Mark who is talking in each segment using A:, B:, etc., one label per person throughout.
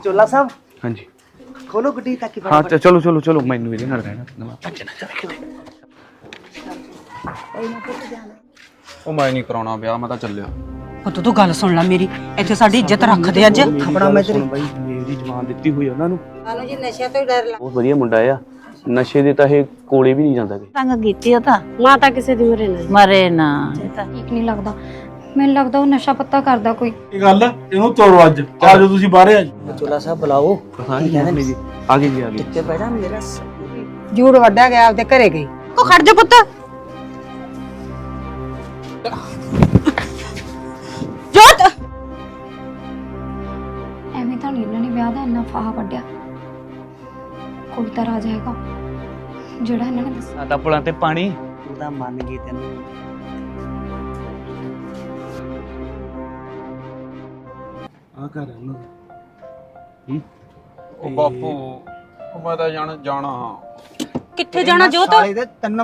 A: चोला साहब
B: हाँ जी
A: खोलो गुड्डी ताकि
B: हाँ चलो चलो चलो मैनू ਇਹਦੇ ਨਾਲ ਰਹਿਣਾ ਉਹ ਮੈਂ ਨਹੀਂ ਕਰਾਉਣਾ ਵਿਆਹ ਮੈਂ ਤਾਂ ਚੱਲਿਆ
C: ਪੁੱਤ ਤੂੰ ਗੱਲ ਸੁਣ ਲੈ ਮੇਰੀ ਇੱਥੇ ਸਾਡੀ ਇੱਜ਼ਤ ਰੱਖਦੇ ਅੱਜ
A: ਖਪੜਾ ਮੈਂ ਤੇਰੀ
B: ਬਾਈ ਮੇਰੀ ਜਵਾਨ ਦਿੱਤੀ ਹੋਈ ਉਹਨਾਂ ਨੂੰ
D: ਸਾਨੂੰ ਜੀ ਨਸ਼ਿਆਂ ਤੋਂ ਹੀ ਡਰ ਲੱਗ
B: ਬਹੁਤ ਵਧੀਆ ਮੁੰਡਾ ਆ ਨਸ਼ੇ ਦੇ ਤਾਂ ਇਹ ਕੋਲੇ ਵੀ ਨਹੀਂ ਜਾਂਦਾ ਕਿ
E: ਤੰਗ ਕੀਤੀ ਉਹ ਤਾਂ
D: ਮਾਤਾ ਕਿਸੇ ਦੀ ਮਰੇ ਨਾ
E: ਮਰੇ ਨਾ ਇਹ ਤਾਂ
F: ਠੀਕ ਨਹੀਂ ਲੱਗਦਾ ਮੈਨੂੰ ਲੱਗਦਾ ਉਹ ਨਸ਼ਾ ਪੱਤਾ ਕਰਦਾ ਕੋਈ
G: ਇਹ ਗੱਲ ਇਹਨੂੰ ਤੋੜੋ ਅੱਜ ਆ ਜਾਓ ਤੁਸੀਂ ਬਾਹਰ ਆ
A: चोला साहब बुलाओ
B: ਹਾਂ ਜੀ ਮੰਮੀ ਜੀ ਆ ਗਏ ਜੀ ਆ ਗਏ
A: टिक्के बैठा मेरा
D: ਜੂੜ ਵੱਡਾ ਗਿਆ ਆਪਦੇ ਘਰੇ ਗਈ
C: ਕੋ ਖੜ ਜਾ ਪੁੱਤ ਜੋਤ
F: ਐਵੇਂ ਤਾਂ ਨਹੀਂ ਇਹਨਾਂ ਨੇ ਵਿਆਹ ਦਾ ਇੰਨਾ ਫਾਹਾ ਵੱਢਿਆ ਕੋਈ ਤਾਂ ਰਾਜ ਹੈਗਾ ਜਿਹੜਾ ਇਹਨਾਂ ਨੇ ਦੱਸਿਆ
B: ਸਾਡਾ ਪੁਲਾਂ ਤੇ ਪਾਣੀ
A: तू ਤਾਂ ਮੰਨ ਗਈ ਤੈਨੂੰ
B: ਆ ਕਰ ਉਹਨਾਂ
G: ਉਹ ਬਾਪੂ ਉਹ ਮੈਂ ਤਾਂ ਜਾਣਾ
C: ਕਿੱਥੇ ਜਾਣਾ ਜੋਤ
A: ਸਾਲੇ ਦੇ ਤਿੰਨ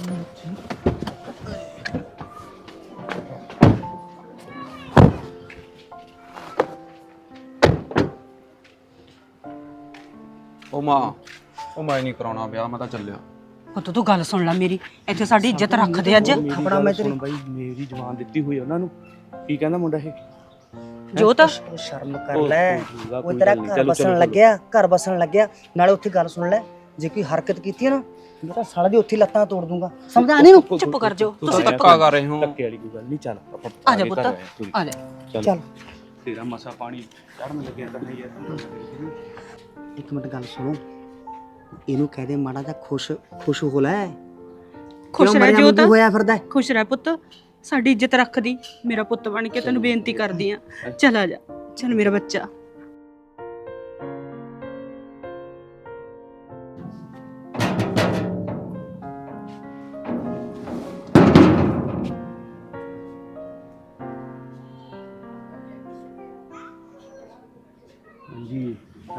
G: ਉਹ ਮਾਂ ਉਹ ਮੈਂ ਨਹੀਂ ਕਰਾਉਣਾ ਵਿਆਹ ਮੈਂ ਤਾਂ ਚੱਲਿਆ
C: ਪੁੱਤ ਤੂੰ ਗੱਲ ਸੁਣ ਲੈ ਮੇਰੀ ਇੱਥੇ ਸਾਡੀ ਇੱਜ਼ਤ ਰੱਖਦੇ ਅੱਜ
A: ਖਪੜਾ ਮੈਂ ਤੇਰੀ
B: ਬਾਈ ਮੇਰੀ ਜਵਾਨ ਦਿੱਤੀ ਹੋਈ ਉਹਨਾਂ ਨੂੰ ਕੀ ਕਹਿੰਦਾ ਮੁੰਡਾ ਇਹ
C: ਜੋਤ
A: ਸ਼ਰਮ ਕਰ ਲੈ ਉਹ ਤੇਰਾ ਘਰ ਬਸਣ ਲੱਗਿਆ ਘਰ ਬਸਣ ਲੱਗਿਆ ਨਾਲੇ ਉੱਥੇ ਗੱਲ ਸੁਣ ਲੈ ਜੇ ਕੋਈ ਹਰਕਤ ਕੀਤੀ ਹੈ ਨਾ ਮੇਰਾ ਸਾਲਾ ਦੀ ਉੱਥੇ ਲੱਤਾਂ ਤੋੜ ਦੂੰਗਾ ਸਮਝਾ ਨਹੀਂ ਨੂੰ
C: ਚੁੱਪ ਕਰ ਜਾਓ ਤੁਸੀਂ ਚੁੱਪ
G: ਧੱਕਾ ਕਰ ਰਹੇ ਹੋ
B: ਧੱਕੇ ਵਾਲੀ ਕੋਈ ਗੱਲ ਨਹੀਂ ਚੱਲ ਆਪਾਂ
C: ਆ ਜਾ ਪੁੱਤ ਆ ਜਾ
A: ਚੱਲ
B: ਤੇਰਾ ਮਸਾ ਪਾਣੀ ਚੜਨ ਲੱਗਿਆ ਤਾਂ ਯਾਰ
A: ਇੱਕ ਮਿੰਟ ਗੱਲ ਸੁਣੋ ਇਹਨੂੰ ਕਹਿ ਦੇ ਮਾੜਾ ਜਿਹਾ ਖੁਸ਼ ਹੋ ਲੈ
C: ਖੁਸ਼
A: ਕਿਉਂ
C: ਰਹਿ
A: ਮਰਿਆ
C: ਜੋਤ
A: ਵਾਂਗੂ ਹੋਇਆ ਫਿਰਦਾ ਹੈ?
C: ਖੁਸ਼ ਰਹਿ ਪੁੱਤ ਸਾਡੀ ਇੱਜ਼ਤ ਰੱਖਦੀ ਮੇਰਾ ਪੁੱਤ ਬਣ ਕੇ ਤੈਨੂੰ ਬੇਨਤੀ ਕਰਦੀ ਆ ਚਲ ਆ ਜਾ ਚਲ ਮੇਰਾ ਬੱਚਾ
B: ਜੀ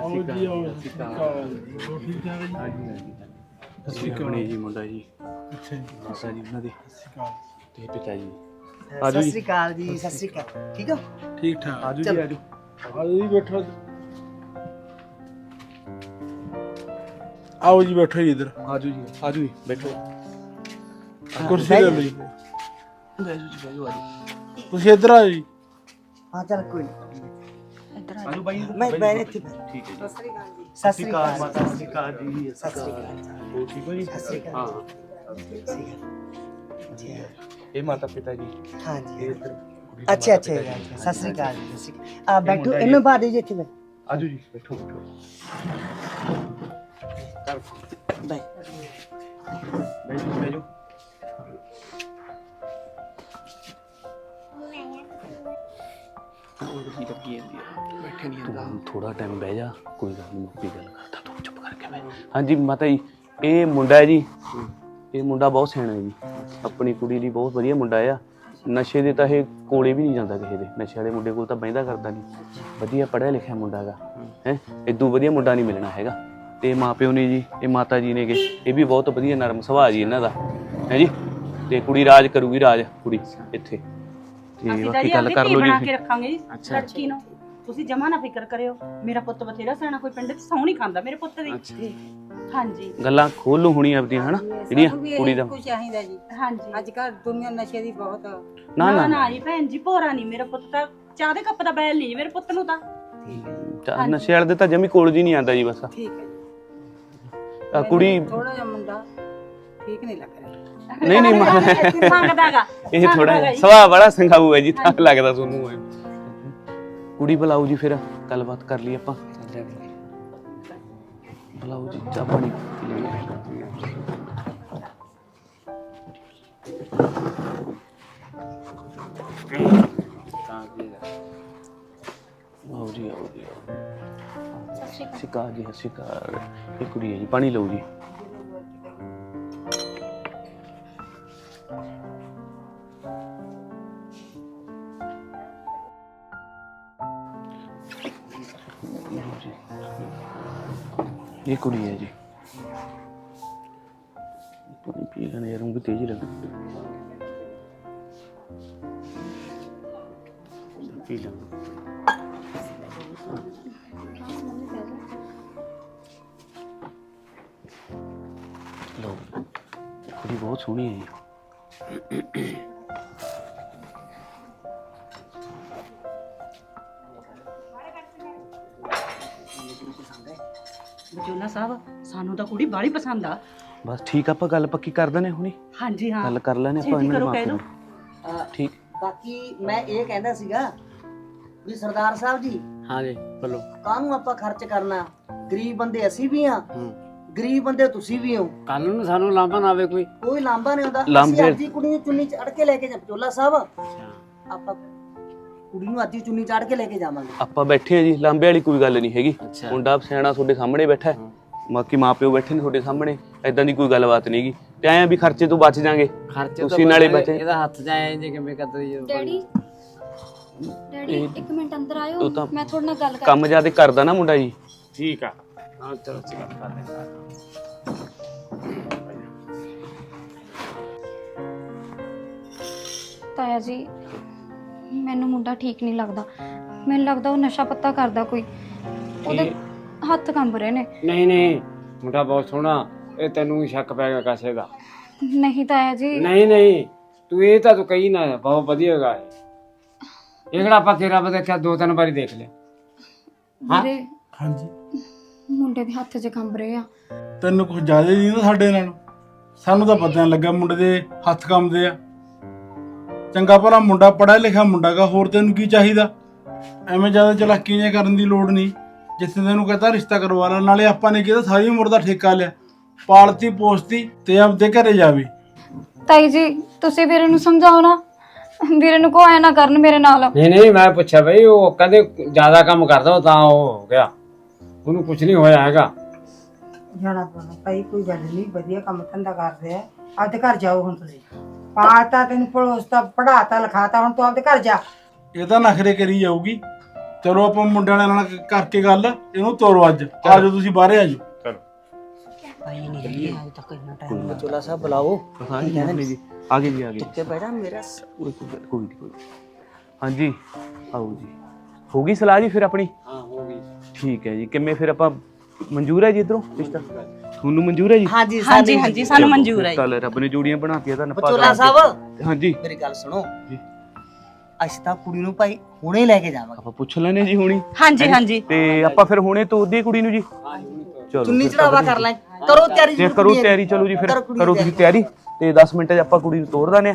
B: ਅਸੀਂ ਕਹਣੇ ਜੀ ਮੁੰਡਾ ਜੀ ਅੱਛਾ ਜੀ ਮਾਤਾ ਜੀ ਉਹਨਾਂ ਦੇ ਤੇ ਪਿਤਾ ਜੀ
A: ਸਤਿ ਸ੍ਰੀ ਅਕਾਲ ਜੀ ਸਤਿ ਸ੍ਰੀ ਅਕਾਲ ਠੀਕ ਹੋ
G: ਠੀਕ ਠਾਕ
B: ਆਜੋ ਜੀ ਆਜੋ
G: ਆਓ ਜੀ ਬੈਠੋ ਆਓ ਜੀ ਬੈਠੋ ਜੀ ਇਧਰ
B: ਆਜੋ ਜੀ ਬੈਠੋ
G: ਕੁਰਸੀ ਲੈ ਲਓ ਜੀ
B: ਬੈਜੋ ਜੀ ਬੈਜੋ ਆਜੋ
G: ਤੁਸੀਂ ਇਧਰ ਆਓ ਜੀ
A: ਹਾਂ ਚੱਲ ਕੋਈ ਨਹੀਂ
B: ਆਜੋ ਬਾਈ
A: ਮੈਂ ਬੈਠ ਇੱਥੇ
B: ਠੀਕ ਹੈ ਜੀ
A: ਸਤਿ ਸ੍ਰੀ ਅਕਾਲ
B: ਮਾਤਾ ਸਤਿ ਸ਼੍ਰੀ ਅਕਾਲ ਜੀ
A: ਸਤਿ ਸ੍ਰੀ ਅਕਾਲ
B: ਹੋ ਠੀਕ ਹੋ ਜੀ
A: ਸਤਿ ਸ੍ਰੀ ਅਕਾਲ
B: ਹਾਂ
A: ਜੀ
B: ਇਹ ਮਾਤਾ ਪਿਤਾ ਜੀ
A: ਹਾਂ ਜੀ
B: ਇਹ ਇੱਧਰ
A: ਅੱਛਾ ਸਤਿ ਸ੍ਰੀ ਅਕਾਲ ਜੀ ਸਤਿ ਸ੍ਰੀ ਅਕਾਲ ਆ ਬੈਠੋ ਇਹਨੂੰ ਬਾਹਰ ਦੇ ਜੀ ਇੱਥੇ
B: ਆਜੋ ਜੀ ਬੈਠੋ
A: ਬੈ
B: ਬੈਜੋ ਬੈਠੇ ਨਹੀਂ ਤੂੰ ਥੋੜਾ ਟਾਈਮ ਬਹਿ ਜਾ ਕੋਈ ਗੱਲ ਨਹੀਂ ਮੁੱਕੀ ਗੱਲ ਕਰਦਾ ਤੂੰ ਚੁੱਪ ਕਰਕੇ ਬਹਿ ਹਾਂਜੀ ਮਾਤਾ ਜੀ ਇਹ ਮੁੰਡਾ ਹੈ ਜੀ ਇਹ ਮੁੰਡਾ ਬਹੁਤ ਸਿਆਣਾ ਹੈ ਜੀ ਆਪਣੀ ਕੁੜੀ ਲਈ ਬਹੁਤ ਵਧੀਆ ਮੁੰਡਾ ਆ ਨਸ਼ੇ ਦੇ ਤਾਂ ਇਹ ਕੋਲੇ ਵੀ ਨਹੀਂ ਜਾਂਦਾ ਕਿਸੇ ਦੇ ਨਸ਼ੇ ਵਾਲੇ ਮੁੰਡੇ ਕੋਲ ਤਾਂ ਬਹਿੰਦਾ ਕਰਦਾ ਨਹੀਂ ਵਧੀਆ ਪੜ੍ਹਿਆ ਲਿਖਿਆ ਮੁੰਡਾ ਹੈਗਾ ਹੈ ਇਦੋਂ ਵਧੀਆ ਮੁੰਡਾ ਨਹੀਂ ਮਿਲਣਾ ਹੈਗਾ ਤੇ ਮਾਪਿਓ ਨੇ ਜੀ ਇਹ ਮਾਤਾ ਜੀ ਨੇਗੇ ਇਹ ਵੀ ਬਹੁਤ ਵਧੀਆ ਨਰਮ ਸੁਭਾਅ ਜੀ ਇਹਨਾਂ ਦਾ ਹੈ ਜੀ ਤੇ ਕੁੜੀ ਰਾਜ ਕਰੂਗੀ ਰਾਜ ਕੁੜੀ ਇੱਥੇ ਤੇ
C: ਅਸੀਂ ਤਾਂ
B: ਬਾਕੀ
C: ਜੀ
B: ਗੱਲ
C: ਆਪਣੀ
B: ਕਰ
C: ਧੀ
B: ਲਓ
C: ਬਣਾ
B: ਜੀ
C: ਕੇ ਰੱਖਾਂਗੇ ਜੀ ਲੜਕੀ ਨੂੰ ਤੁਸੀਂ ਜਮਾ ਨਾ ਫਿਕਰ ਕਰਿਓ ਮੇਰਾ ਪੁੱਤ ਬਥੇਰਾ ਸਿਆਣਾ ਕੋਈ ਪਿੰਡ 'ਚ ਸੌਂ ਨਹੀਂ ਖਾਂਦਾ ਮੇਰੇ ਪੁੱਤ ਦੀ ਹਾਂਜੀ
B: ਗੱਲਾਂ ਖੋਲੂ ਹੋਣੀ ਆਪਦੀਆਂ ਹਨਾ ਜਿਹੜੀਆਂ ਕੁੜੀ ਦਾ
D: ਕੁਝ ਚਾਹੀਦਾ ਜੀ
C: ਹਾਂਜੀ
D: ਅੱਜ ਕੱਲ ਦੁਨੀਆ ਨਸ਼ੇ ਦੀ ਬਹੁਤ
B: ਨਾ ਨਾ
C: ਨਾ ਜੀ ਭੈਣ ਜੀ ਭੋਰਾ ਨਹੀਂ ਮੇਰਾ ਪੁੱਤ ਤਾਂ ਚਾਹ ਦੇ ਕੱਪ ਦਾ ਬੈਲ ਨਹੀਂ ਜੀ ਮੇਰੇ ਪੁੱਤ ਨੂੰ ਤਾਂ
B: ਨਸ਼ੇ ਵਾਲੇ ਦੇ ਤਾਂ ਜਮੀ ਕੋਲ ਜੀ ਨਹੀਂ ਆਂਦਾ ਜੀ ਬਸ
D: ਠੀਕ ਹੈ
B: ਆ ਕੁੜੀ
D: ਥੋੜਾ ਜਿਹਾ ਮੁੰਡਾ ਠੀਕ ਨਹੀਂ ਲੱਗ ਰਿਹਾ
B: ਨਹੀਂ
C: ਮੰਗਦਾਗਾ
B: ਇਹ ਥੋੜਾ ਸੁਭਾਅ ਬੜਾ ਸੰਘਾਊ ਹੈ ਜੀ ਤਾਂ ਲੱਗਦਾ ਤੁਹਾਨੂੰ ਇਹ ਕੁੜੀ ਬੁਲਾਓ ਜੀ ਫਿਰ ਗੱਲਬਾਤ ਕਰ ਲਈ ਆਪਾਂ ਬੁਲਾਓ ਜੀ ਚਾਹ ਪਾਣੀ ਪੀ ਲਈਏ। ਆਓ ਜੀ ਆਓ ਜੀ ਸਤਿ ਸ਼੍ਰੀ ਅਕਾਲ ਜੀ ਸਤਿ ਸ਼੍ਰੀ ਅਕਾਲ ਇਹ ਕੁੜੀ ਹੈ ਜੀ ਪਾਣੀ ਲਓ ਜੀ ये कुड़ी है जी पानी पी लेना यार उनको तेज लग पी लेना ਕੁੜੀ ਬਹੁਤ ਸੋਹਣੀ ਹੈ ਜੀ।
C: ਬਚੋਲਾ ਸਾਹਿਬ ਸਾਨੂੰ ਤਾਂ ਕੁੜੀ ਬਾਹਲੀ ਪਸੰਦ ਆ।
B: ਬਸ ਠੀਕ ਆ, ਆਪਾਂ ਗੱਲ ਪੱਕੀ ਕਰ ਦਿੰਦੇ ਹੁਣੀ,
C: ਹਾਂਜੀ ਹਾਂ
B: ਗੱਲ ਕਰ ਲੈਣੇ ਆਪਾਂ
C: ਛੇਤੀ
B: ਇਹਨਾਂ ਦੇ
C: ਕਰੋ, ਕਹਿ
B: ਮਾਪਿਆਂ
C: ਦਿਓ।
B: ਨੂੰ। ਠੀਕ।
A: ਬਾਕੀ ਮੈਂ ਇਹ ਕਹਿੰਦਾ ਸੀਗਾ ਵੀ ਸਰਦਾਰ ਸਾਹਿਬ ਜੀ,
E: ਹਾਂ ਜੀ ਬੋਲੋ।
A: ਕਾਹਨੂੰ ਆਪਾਂ ਖਰਚ ਕਰਨਾ? ਗਰੀਬ ਬੰਦੇ ਅਸੀਂ ਵੀ ਆ, ਗਰੀਬ ਬੰਦੇ ਤੁਸੀਂ ਵੀ ਹੋ।
E: ਕੱਲ ਨੂੰ ਸਾਨੂੰ ਲਾਂਭਾ ਨਾ ਆਵੇ ਕੋਈ।
A: ਕੋਈ ਲਾਂਭਾ ਨਹੀਂ ਹੁੰਦਾ।
B: ਲਾਂਭੇ-
A: ਅਸੀਂ ਅੱਜ ਹੀ ਕੁੜੀ ਨੂੰ ਚੁੰਨੀ ਚੜ ਕੇ ਲੈ ਕੇ ਜਾ ਬਚੋਲਾ ਸਾਹਿਬ, ਆਪਾਂ ਕੁੜੀ ਨੂੰ ਅੱਜ ਹੀ ਚੁੰਨੀ ਚੜ ਕੇ ਲੈ ਕੇ ਜਾਵਾਂਗੇ।
B: ਆਪਾਂ ਬੈਠੇ ਆ ਜੀ, ਲਾਂਬੇ ਵਾਲੀ ਕੋਈ ਗੱਲ ਨਹੀਂ ਹੈਗੀ।
E: ਅੱਛਾ।
B: ਮੁੰਡਾ ਸਿਆਣਾ ਤੁਹਾਡੇ ਸਾਹਮਣੇ ਬੈਠਾ ਹੈ, ਬਾਕੀ ਮਾਪਿਓ ਬੈਠੇ ਨੇ ਤੁਹਾਡੇ ਸਾਹਮਣੇ, ਐਦਾਂ ਦੀ ਕੋਈ ਗੱਲਬਾਤ ਨਹੀਂਗੀ। ਤੇ ਆਏ ਆ ਵੀ ਖਰਚੇ ਤੋਂ ਬਚ ਜਾਾਂਗੇ,
E: ਖਰਚੇ ਤੋਂ
B: ਤੁਸੀਂ ਨਾਲੇ ਬਚੇ।
E: ਇਹਦਾ ਹੱਥ ਜਾਏ ਜੇ ਕਿਵੇਂ ਕਰਦੀ ਜੋ
F: ਡੈਡੀ ਡੈਡੀ ਇੱਕ ਮਿੰਟ ਅੰਦਰ ਆਇਓ,
B: ਉਹ ਤਾਂ
F: ਮੈਂ ਤੁਹਾਡੇ ਨਾਲ ਗੱਲ ਕਰ।
B: ਕੰਮ ਜ਼ਿਆਦਾ ਕਰਦਾ ਨਾ ਮੁੰਡਾ ਜੀ।
E: ਠੀਕ ਆ। ਹਾਂ ਚਲੋ ਚਲੋ ਕਰ ਲੈ।
F: ਤਾਇਆ ਜੀ ਮੈਨੂੰ ਮੁੰਡਾ ਠੀਕ ਨਹੀਂ ਲੱਗਦਾ, ਮੈਨੂੰ ਲੱਗਦਾ ਉਹ ਨਸ਼ਾ ਪੱਤਾ ਕਰਦਾ ਕੋਈ, ਉਹਦੇ ਹੱਥ ਕੰਬ ਰਹੇ ਨੇ।
E: ਨਹੀਂ ਨਹੀਂ ਮੁੰਡਾ ਬਹੁਤ ਸੋਹਣਾ, ਇਹ ਤੈਨੂੰ ਸ਼ੱਕ ਪੈ ਗਿਆ ਕਾਸੇ ਦਾ।
F: ਨਹੀਂ ਤਾਇਆ ਜੀ,
E: ਨਹੀਂ ਨਹੀਂ ਤੂੰ ਇਹ ਤਾਂ ਤੂੰ ਕਹੀ ਨਾ, ਬਹੁਤ ਵਧੀਆ ਹੈਗਾ ਇਹ ਕਿਹੜਾ ਆਪਾਂ ਤੇਰਾ ਦੇਖਿਆ 2-3 ਵਾਰੀ ਦੇਖ ਲਿਆ।
F: ਵੀਰੇ
H: ਹਾਂਜੀ,
F: ਮੁੰਡੇ ਦੇ ਹੱਥ 'ਚ ਕੰਬ ਰਹੇ ਆ।
H: ਤੈਨੂੰ ਕੁਝ ਜ਼ਿਆਦਾ ਨਹੀਂ ਨਾ ਸਾਡੇ ਨਾਲ? ਸਾਨੂੰ ਤਾਂ ਪਤਾ ਨਹੀਂ ਲੱਗਾ ਮੁੰਡੇ ਦੇ ਹੱਥ ਕੰਮਦੇ ਆ। ਚੰਗਾ ਭਲਾ ਮੁੰਡਾ ਪੜ੍ਹਿਆ ਲਿਖਿਆ ਮੁੰਡਾ ਗਾ, ਹੋਰ ਤੈਨੂੰ ਕੀ ਚਾਹੀਦਾ? ਐਵੇਂ ਜ਼ਿਆਦਾ ਚਲਾਕੀਆਂ ਜਿਹੀਆਂ ਕਰਨ ਦੀ ਲੋੜ ਨਹੀਂ। ਜਿੱਥੇ ਤੈਨੂੰ ਕਹਤਾ ਰਿਸ਼ਤਾ ਕਰਵਾ ਲਾ, ਨਾਲੇ ਆਪਾਂ ਨੇ ਕਿਹਾ ਸਾਰੀ ਉਮਰ ਦਾ ਠੇਕਾ ਲਿਆ, ਪਾਲਤੀ ਪੋਸਤੀ ਤੇ ਆਪਦੇ ਘਰੇ ਜਾਵੇ।
F: ਤਾਈ ਜੀ ਤੁਸੀਂ ਵੀਰੇ ਨੂੰ ਸਮਝਾਓ ਨਾ, ਵੀਰੇ ਨੂੰ ਕੋ ਐ ਨਾ ਕਰਨ ਮੇਰੇ ਨਾਲ।
E: ਨਹੀਂ ਨਹੀਂ ਮੈਂ ਪੁੱਛਿਆ ਬਈ, ਉਹ ਕਹਿੰਦੇ ਜ਼ਿਆਦਾ ਕੰਮ ਕਰਦਾ ਉਹ ਤਾਂ ਉਹ ਹੋ ਗਿਆ, ਉਹਨੂੰ ਕੁਝ ਨਹੀਂ ਹੋਇਆ ਹੈਗਾ।
D: ਜਾਣਾ ਪੈਣਾ ਭਾਈ, ਕੋਈ ਗੱਲ ਨਹੀਂ, ਵਧੀਆ ਕੰਮ ਧੰਦਾ ਕਰਦੇ ਆ। ਆਪਦੇ ਘਰ ਜਾਓ ਹੁਣ ਤੁਸੀਂ। ਪਾਲਤਾ ਤੈਨੂੰ ਪੜੋਸਤਾ ਪੜਾਤਾ ਲਿਖਾਤਾ, ਹੁਣ ਤੂੰ ਆਪਦੇ ਘਰ ਜਾ।
H: ਇਹ ਤਾਂ ਨਖਰੇ ਕਰੀ ਜਾਊਗੀ। ਚਲੋ ਆਪਾਂ ਮੁੰਡੇ ਵਾਲਿਆਂ ਨਾਲ ਕਰਕੇ ਗੱਲ, ਇਹਨੂੰ ਤੋਰੋ ਅੱਜ। ਆਜੋ ਤੁਸੀਂ ਬਾਹਰੇ ਆਜੋ।
A: ਭਾਈ ਨਹੀਂ ਜੀ ਅੱਜ ਤੱਕ ਇੰਨਾ ਟਾਈਮ ਬਚੋਲਾ ਸਾਹਿਬ ਬੁਲਾਓ।
B: ਹਾਂ ਜੀ ਜੀ, ਆ ਗਏ ਜੀ, ਆ ਗਏ।
A: ਟਿੱਕੇ ਬੈਠਾ ਮੇਰਾ
B: ਕੋਈ ਨਹੀਂ। ਹਾਂਜੀ ਆਓ ਜੀ। ਹੋ ਗਈ ਸਲਾਹ ਜੀ ਫਿਰ ਆਪਣੀ?
E: ਹਾਂ ਹੋ ਗਈ।
B: ਠੀਕ ਹੈ ਜੀ। ਕਿਵੇਂ ਫਿਰ ਆਪਾਂ ਮਨਜ਼ੂਰ ਹੈ ਜੀ ਇਧਰੋਂ ਰਿਸ਼ਤਾ? ਤੁਹਾਨੂੰ ਮਨਜ਼ੂਰ ਹੈ ਜੀ?
A: ਹਾਂਜੀ
C: ਹਾਂਜੀ ਹਾਂਜੀ ਸਾਨੂੰ ਮਨਜ਼ੂਰ ਹੈ ਜੀ।
B: ਚੱਲ ਰੱਬ ਨੇ ਜੋੜੀਆਂ ਬਣਾਤੀਆਂ ਤਾਂ ਨੱਪਾ
A: ਬਚੋਲਾ ਸਾਹਿਬ
B: ਹਾਂਜੀ
A: ਮੇਰੀ ਗੱਲ ਸੁਣੋ
B: ਜੀ।
A: ਅਸੀਂ ਤਾਂ ਕੁੜੀ ਨੂੰ ਭਾਈ ਹੁਣੇ ਲੈ ਕੇ ਜਾਵਾਂਗੇ।
B: ਆਪਾਂ ਪੁੱਛ ਲੈਨੇ ਜੀ ਹੁਣੀ।
C: ਹਾਂਜੀ ਹਾਂਜੀ
B: ਤੇ ਆਪਾਂ ਫਿਰ ਹੁਣੇ ਤੋਰਦੀ ਕੁੜੀ ਨੂੰ ਜੀ। ਚਲੋ
A: ਚੁੰਨੀ ਚੜਾਵਾ ਕਰ ਲੈ, ਕਰੋ ਤਿਆਰੀ।
B: ਜੇ ਕਰੋ ਤਿਆਰੀ, ਚਲੋ ਜੀ ਫਿਰ ਕਰੋ ਤੁਸੀਂ ਤਿਆਰੀ, ਤੇ 10 ਮਿੰਟ 'ਚ ਆਪਾਂ ਕੁੜੀ ਨੂੰ ਤੋਰ ਦਾਨੇ ਆ।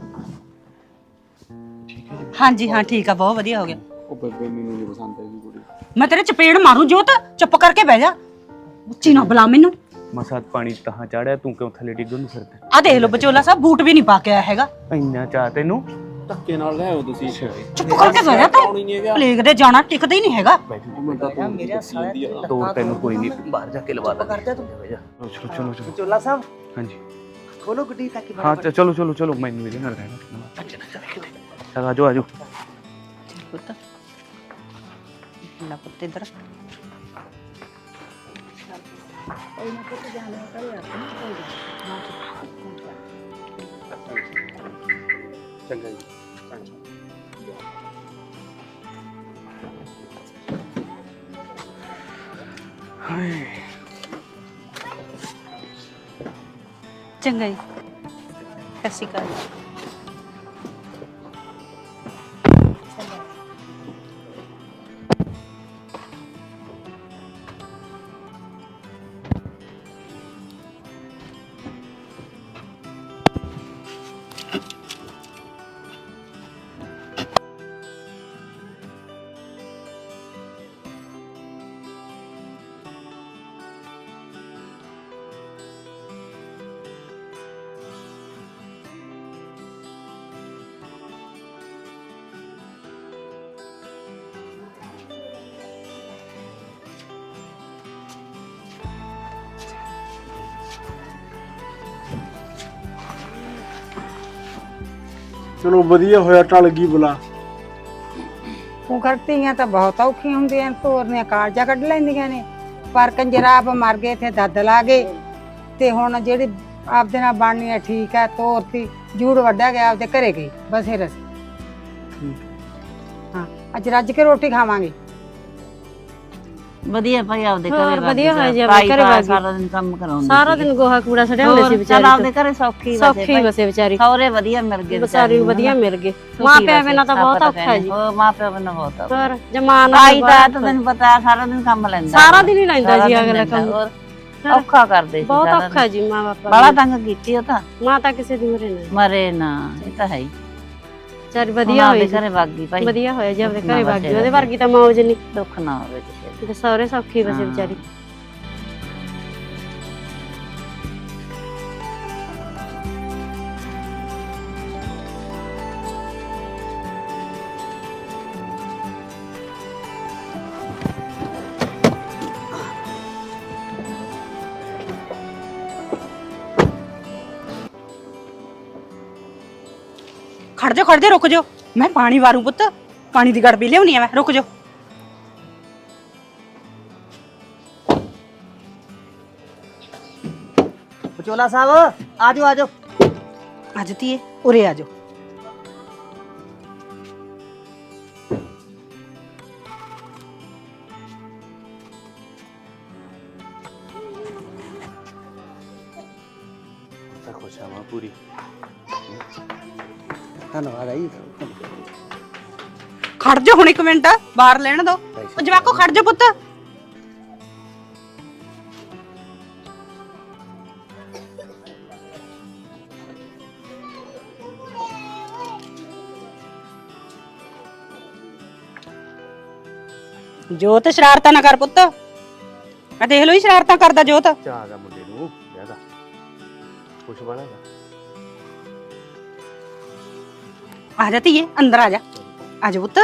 C: ਹਾਂਜੀ ਹਾਂ ਠੀਕ ਆ, ਬਹੁਤ ਵਧੀਆ ਹੋ ਗਿਆ।
G: ਉਹ ਬੇਬੇ ਮੈਨੂੰ ਨਹੀਂ ਪਸੰਦ ਹੈਗੀ ਕੁੜੀ।
C: ਮੈਂ ਤੇਰੇ ਚਪੇੜ ਮਾਰੂ ਜੋਤ, ਚੁੱਪ ਕਰਕੇ ਬਹਿ ਜਾ, ਉੱਚੀ ਨਾ ਬੁਲਾ ਮੈਨੂੰ।
B: ਮਸਾ ਪਾਣੀ ਤਾਂ ਚਾੜਿਆ, ਤੂੰ ਕਿਉਂ ਥੱਲੇ ਡਿੱਗਣ ਨੂੰ ਫਿਰਦਾ?
C: ਆ ਦੇਖ ਲਓ ਬਚੋਲਾ ਸਾਹਿਬ, ਬੂਟ ਵੀ ਨਹੀਂ ਪਾ ਕੇ ਆਇਆ ਹੈਗਾ।
B: ਇੰਨਾ ਚਾਹ ਤੈਨੂੰ?
G: ਧੱਕੇ ਨਾਲ ਲੈ ਆਓ ਤੁਸੀਂ।
C: ਚੁੱਪ ਕਰਕੇ ਬਹਿ ਜਾ ਤੂੰ, ਪਲੇਗ ਦੇ ਜਾਣਾ ਟਿਕਦਾ ਹੀ ਨਹੀਂ ਹੈਗਾ।
A: ਮੇਰੇ ਸਾਲੇ
B: ਤੋਰ ਤੈਨੂੰ ਕੋਈ ਨਹੀਂ, ਬਾਹਰ ਜਾ ਕੇ ਲਵਾ ਦਾਂਗੇ।
A: ਕਰਦਾ ਤੂੰ।
B: ਚਲੋ ਚਲੋ ਚਲੋ।
A: ਬਚੋਲਾ ਸਾਹਿਬ
B: ਹਾਂਜੀ
A: ਖੋਲੋ ਗੱਡੀ ਤਾਂ ਕਿ
B: ਹਾਂ ਚਲੋ ਚਲੋ ਚਲੋ, ਮੈਨੂੰ ਇਹਦੇ ਨਾਲ ਰਹਿਣਾ। ਚਲ ਆਜੋ ਆਜੋ।
C: ਪੁੱਤ ਲੈ ਪੁੱਤ ਇੱਧਰ।
B: ਚੰਗਾ ਜੀ।
C: ਚੰਗਾ ਜੀ, ਸਤਿ ਸ਼੍ਰੀ ਅਕਾਲ।
H: ਚਲੋ ਵਧੀਆ ਹੋਇਆ, ਟਲ ਗਈ ਬੁਲਾ।
D: ਤੂੰ ਕਰਤੀਆਂ ਤਾਂ ਬਹੁਤ ਔਖੀਆਂ ਹੁੰਦੀਆਂ, ਤੋਰਨੀਆਂ ਕਾਲਜਾ ਕੱਢ ਲੈਂਦੀਆਂ ਨੇ। ਪਰ ਕੰਜਰਾਬ ਮਰ ਗਏ ਤੇ ਦੱਦ ਲਾ ਗਏ, ਤੇ ਹੁਣ ਜਿਹੜੀ ਆਪਦੇ ਨਾਲ ਬਣਨੀ ਹੈ ਠੀਕ ਹੈ, ਤੋਰਤੀ। ਜੂੜ ਵੱਢਿਆ ਗਿਆ, ਆਪਦੇ ਘਰੇ ਗਈ ਬਸੇ ਰਸ। ਹਾਂ ਅੱਜ ਰੱਜ ਕੇ ਰੋਟੀ ਖਾਵਾਂਗੇ।
I: ਵਧੀਆ ਭਾਈ ਆਪਦੇ
J: ਹੋਰ
I: ਘਰੇ
J: ਵਧੀਆ ਹੋਇਆ ਜੀ ਆਪਦੇ ਘਰੇ ਵਗ ਗਈ।
I: ਸਾਰਾ ਦਿਨ ਕੰਮ ਕਰਾਉਂਦੀ
J: ਸਾਰਾ ਦਿਨ ਗੋਹਾ ਕੂੜਾ ਸੜਿਆ ਹੁੰਦਾ ਸੀ
I: ਚੱਲ
J: ਵਿਚਾਰੀ
I: ਆਪਦੇ ਘਰੇ ਸੌਖੀ
J: ਸੌਖੀ ਵਸੇ ਵਿਚਾਰੀ
I: ਸੌਰੇ ਵਧੀਆ ਮਿਲ ਗਏ
J: ਵਿਚਾਰੀ ਨੂੰ ਵਧੀਆ ਮਿਲ ਗਏ ਮਾਂ ਪਿਓ ਬਿਨਾਂ ਤਾਂ ਬਹੁਤ ਔਖਾ ਹੈ ਜੀ
I: ਉਹ ਮਾਂ ਪਿਓ ਬਿਨਾਂ ਬਹੁਤ ਔਖਾ
J: ਹੋਰ ਜਮਾਨ
I: ਆਈ ਤਾਂ ਤੈਨੂੰ ਪਤਾ ਸਾਰਾ ਦਿਨ ਕੰਮ ਲੈਂਦਾ
J: ਸਾਰਾ ਦਿਨ ਹੀ ਲੈਂਦਾ ਜੀ
I: ਸਾਰਾ ਦਿਨ
J: ਅਗਲਾ
I: ਲੈਂਦਾ,
J: ਕੰਮ
I: ਹੋਰ ਔਖਾ ਕਰਦੇ ਸੀ
J: ਬਹੁਤ
I: ਸਾਰਾ
J: ਔਖਾ ਜੀ ਮਾਂ ਬਾਪਾ
I: ਬੜਾ ਤੰਗ ਕੀਤੀ ਉਹ ਤਾਂ
J: ਮਾਂ ਤਾਂ ਕਿਸੇ ਦੀ ਮਰੇ ਨਾ
I: ਮਰੇ ਨਾ ਇਹ ਤਾਂ ਹੈ ਹੀ
J: ਵਿਚਾਰੀ ਵਧੀਆ ਹੋਈ
I: ਘਰੇ ਵਗ ਗਈ ਭਾਈ
J: ਵਧੀਆ ਹੋਇਆ ਜੀ ਆਪਦੇ
I: ਦੁੱਖ ਨਾ
J: ਘਰੇ ਵਗ ਗਈ
I: ਵਸੇ
J: ਉਹਦੇ ਵਰਗੀ ਤਾਂ ਮੌਜ ਨਹੀਂ
I: ਦੁੱਖ ਨਾ ਹੋਵੇ ਕਿਸੇ
J: ਤੇ ਸਹੁਰੇ ਸੌਖੀ ਵਸੇ
I: ਹਾਂ।
J: ਵਿਚਾਰੀ
C: ਖੜ ਜਾ ਰੁਕ ਜਾ ਮੈਂ ਪਾਣੀ ਵਾਰੂ ਪੁੱਤ ਪਾਣੀ ਦੀ ਗੜਬੀ ਲਿਆਉਣੀ ਆ ਮੈਂ ਰੁਕ ਜਾ
A: ਵਿਚੋਲਾ ਸਾਹਿਬ ਆਜੋ ਆਜੋ
C: ਅੱਜ ਧੀਏ ਉਰੇ ਆ ਜਾ
B: ਤਾਂ ਖੁਸ਼ ਆ ਮਾਂ ਪੂਰੀ।
A: ਧੰਨਵਾਦ ਆਈ
C: ਖੜ ਜਾ ਹੁਣ 1 ਮਿੰਟ ਬਾਹਰ ਲੈਣ ਦੋ ਉਹ ਜਵਾਕੋ ਖੜ ਜਾ ਪੁੱਤ ਜੋਤ ਸ਼ਰਾਰਤਾਂ ਨਾ ਕਰ ਪੁੱਤ ਆ ਦੇਖ ਲੋ ਹੀ ਸ਼ਰਾਰਤਾਂ ਕਰਦਾ ਜੋਤ
B: ਚਾਹ ਦਾ ਮੁੰਡੇ ਨੂੰ ਜ਼ਿਆਦਾ ਖੁਸ਼ ਬਣਾ
C: ਆ ਜਾ ਧੀਏ ਅੰਦਰ ਆ ਜਾ ਪੁੱਤ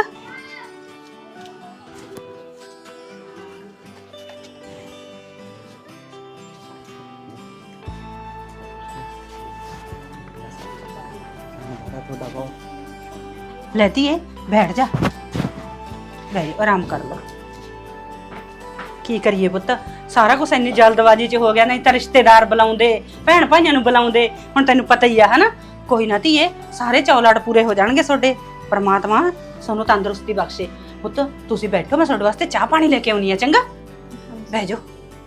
A: ਤੁਹਾਡਾ ਬਹੁਤ
C: ਲੈ ਧੀਏ ਬੈਠ ਜਾ ਲੈ ਆਰਾਮ ਕਰ ਲਾ ਕੀ ਕਰੀਏ ਪੁੱਤ ਸਾਰਾ ਕੁਝ ਇੰਨੀ ਜਲਦਬਾਜ਼ੀ 'ਚ ਹੋ ਗਿਆ ਨਹੀਂ ਤਾਂ ਰਿਸ਼ਤੇਦਾਰ ਬੁਲਾਉਂਦੇ ਭੈਣ ਭਾਈਆਂ ਨੂੰ ਬੁਲਾਉਂਦੇ ਹੁਣ ਤੈਨੂੰ ਪਤਾ ਹੀ ਆ ਹਨਾ ਕੋਈ ਨਾ ਧੀਏ ਸਾਰੇ ਚੌਲਾੜ ਪੂਰੇ ਹੋ ਜਾਣਗੇ ਤੁਹਾਡੇ ਪਰਮਾਤਮਾ ਤੁਹਾਨੂੰ ਤੰਦਰੁਸਤੀ ਬਖਸ਼ੇ ਪੁੱਤ ਤੁਸੀਂ ਬੈਠੋ ਮੈਂ ਤੁਹਾਡੇ ਵਾਸਤੇ ਚਾਹ ਪਾਣੀ ਲੈ ਕੇ ਆਉਣੀ ਆ ਚੰਗਾ ਬਹਿ ਜਾਓ